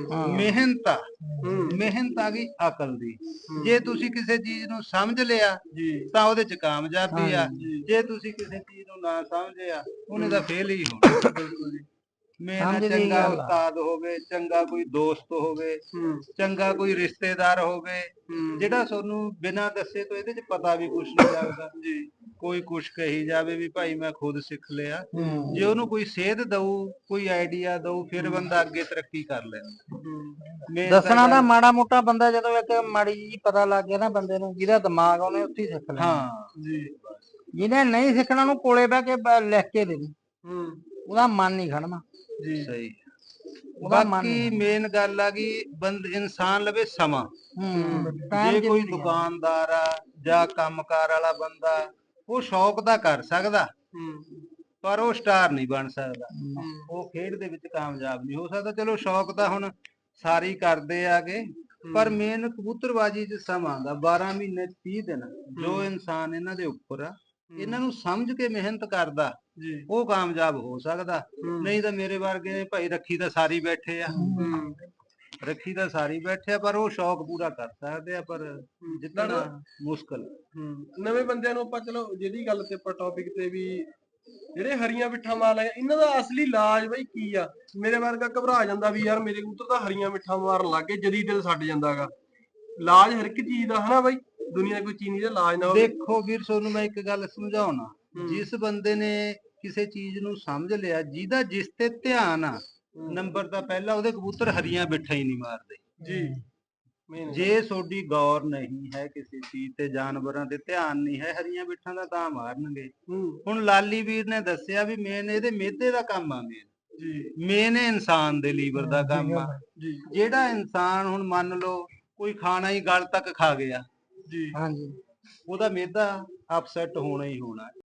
[SPEAKER 4] ਮਿਹਨਤ ਆ ਗਈ ਅਕਲ ਦੀ। ਜੇ ਤੁਸੀਂ ਕਿਸੇ ਚੀਜ਼ ਨੂੰ ਸਮਝ ਲਿਆ ਤਾਂ ਉਹਦੇ ਚ ਕਾਮਯਾਬੀ ਆ, ਜੇ ਤੁਸੀਂ ਕਿਸੇ ਚੀਜ਼ ਨੂੰ ਨਾ ਸਮਝਿਆ ਉਹਨੇ ਤਾਂ ਫੇਲ ਹੀ ਹੋਣਾ। ਮੇਰਾ ਚੰਗਾ ਉਸਤਾਦ ਹੋਵੇ, ਚੰਗਾ ਕੋਈ ਦੋਸਤ ਹੋਵੇ, ਚੰਗਾ ਕੋਈ ਰਿਸ਼ਤੇਦਾਰ ਹੋਵੇ, ਜਿਹੜਾ ਤੁਹਾਨੂੰ ਬਿਨਾਂ ਦੱਸੇ ਤੋਂ ਇਹਦੇ ਚ ਪਤਾ ਵੀ ਕੁਛ ਨਹੀਂ ਲੱਗਦਾ। ਕੋਈ ਕੁਛ ਕਹੀ ਜਾਵੇ ਵੀ ਭਾਈ ਮੈਂ ਖੁਦ ਸਿੱਖ ਲਿਆ, ਜੇ ਉਹਨੂੰ ਕੋਈ ਸੇਧ ਦਊ, ਕੋਈ ਆਈਡੀਆ ਦਊ, ਫਿਰ ਬੰਦਾ ਅੱਗੇ ਤਰੱਕੀ ਕਰ ਲੈਂਦਾ।
[SPEAKER 3] ਦੱਸਣਾ ਤਾਂ ਮਾੜਾ ਮੋਟਾ ਬੰਦਾ ਜਦੋਂ ਇੱਕ ਮਾੜੀ ਜੀ ਪਤਾ ਲੱਗ ਗਿਆ ਨਾ ਬੰਦੇ ਨੂੰ, ਜਿਹਦਾ ਦਿਮਾਗ ਉਹਨੇ ਉੱਥੇ ਹੀ ਸਿੱਖ ਲੈਣਾ। ਜਿਹਨੇ ਨਹੀਂ ਸਿੱਖਣਾ ਉਹਨੂੰ ਕੋਲੇ ਬਹਿ ਕੇ ਲਿਖ ਕੇ ਦੇ, ਉਹਦਾ ਮਨ ਨਹੀਂ ਖੜਨਾ।
[SPEAKER 4] ਸਹੀ। ਬਾਕੀ ਮੇਨ ਗੱਲ ਆ ਗਈ ਇਨਸਾਨ ਲਵੇ ਸਮਾਂ। ਜੇ ਕੋਈ ਦੁਕਾਨਦਾਰ ਆ ਜਾਂ ਕੰਮਕਾਰ ਵਾਲਾ ਬੰਦਾ, ਉਹ ਸ਼ੌਕ ਦਾ ਕਰ ਸਕਦਾ ਪਰ ਉਹ ਸਟਾਰ ਨਹੀਂ ਬਣ ਸਕਦਾ, ਉਹ ਖੇਡ ਦੇ ਵਿੱਚ ਕਾਮਯਾਬ ਨਹੀਂ ਹੋ ਸਕਦਾ। ਚਲੋ ਸ਼ੌਕ ਤਾਂ ਹੁਣ ਸਾਰੇ ਕਰਦੇ ਆਗੇ, ਪਰ ਮੇਨ ਕਬੂਤਰਬਾਜੀ ਚ ਸਮਾਂ ਦਾ 12 ਮਹੀਨੇ 30 ਦਿਨ ਜੋ ਇਨਸਾਨ ਇਹਨਾਂ ਦੇ ਉੱਪਰ ਆ, ਇਹਨਾਂ ਨੂੰ ਸਮਝ ਕੇ ਮਿਹਨਤ ਕਰਦਾ ਉਹ ਕਾਮਯਾਬ ਹੋ ਸਕਦਾ। ਨਹੀਂ ਤਾਂ ਮੇਰੇ ਵਰਗੇ ਭਾਈ ਰੱਖੀ ਤਾਂ ਸਾਰੀ ਬੈਠੇ ਆ, ਪਰ ਉਹ ਸ਼ੌਕ ਪੂਰਾ ਕਰ ਸਕਦੇ ਆ, ਪਰ ਜਿੱਤਣਾ ਮੁਸ਼ਕਲ।
[SPEAKER 1] ਨਵੇਂ ਬੰਦਿਆਂ ਨੂੰ ਆਪਾਂ, ਚਲੋ ਜਿਹੜੀ ਗੱਲ ਤੇ ਆਪਾਂ ਟੌਪਿਕ ਤੇ ਵੀ, ਜਿਹੜੇ ਹਰੀਆਂ ਮਿੱਠਾ ਮਾਰ ਲਏ, ਇਹਨਾਂ ਦਾ ਅਸਲੀ ਇਲਾਜ ਬਈ ਕੀ ਆ? ਮੇਰੇ ਵਰਗਾ ਘਬਰਾ ਜਾਂਦਾ ਵੀ ਯਾਰ ਮੇਰੇ ਕਬੂਤਰ ਤਾਂ ਹਰੀਆਂ ਮਿੱਠਾ ਮਾਰਨ ਲੱਗ ਗਏ, ਜਦੀ ਦਿਲ ਛੱਡ ਜਾਂਦਾਗਾ। ਇਲਾਜ ਹਰ ਇੱਕ ਚੀਜ਼ ਦਾ, ਹਨਾ ਬਾਈ? ਦੁਨੀਆ ਕੋਈ ਚੀਜ਼ ਦਾ ਇਲਾਜ ਨਾ ਹੋਵੇ।
[SPEAKER 4] ਦੇਖੋ ਵੀਰ, ਤੁਹਾਨੂੰ ਮੈਂ ਇੱਕ ਗੱਲ ਸਮਝਾਉਣਾ, ਜਿਸ ਬੰਦੇ ਨੇ ਕਿਸੇ ਚੀਜ਼ ਨੂੰ ਸਮਝ ਲਿਆ, ਜਿਹਦਾ ਜਿਸ ਤੇ ਧਿਆਨ ਆ, ਨੰਬਰ ਤਾਂ ਪਹਿਲਾਂ ਉਹਦੇ ਕਬੂਤਰ ਹਰੀਆਂ ਬਿੱਠਾ ਹੀ ਨਹੀਂ ਮਾਰਦੇ। ਜੇ ਤੁਹਾਡੀ ਗੌਰ ਨਹੀਂ ਹੈ ਕਿਸੇ ਚੀਜ਼ ਤੇ, ਜਾਨਵਰਾਂ ਤੇ ਧਿਆਨ ਨਹੀਂ ਹੈ, ਹਰੀਆਂ ਬਿੱਠਾਂ ਦਾ ਤਾਂ ਮਾਰਨਗੇ। ਹੁਣ ਲਾਲੀ ਵੀਰ ਨੇ ਦੱਸਿਆ ਵੀ ਮੇਨ ਇਹਦੇ ਮਿਹਦੇ ਦਾ ਕੰਮ ਆ। ਮੇਨ
[SPEAKER 1] ਜੀ
[SPEAKER 4] ਮੇਨ ਇਨਸਾਨ ਦੇ ਲੀਵਰ ਦਾ ਕੰਮ ਆ।
[SPEAKER 1] ਜੀ
[SPEAKER 4] ਜਿਹੜਾ ਇਨਸਾਨ ਹੁਣ ਮੰਨ ਲਓ ਕੋਈ ਖਾਣਾ ਹੀ ਗਲ ਤੱਕ ਖਾ ਗਿਆ,
[SPEAKER 1] ਜੀ
[SPEAKER 3] ਹਾਂਜੀ
[SPEAKER 4] ਉਹਦਾ ਮਿਹਦਾ ਅਪਸੈਟ ਹੋਣਾ ਹੀ ਹੋਣਾ।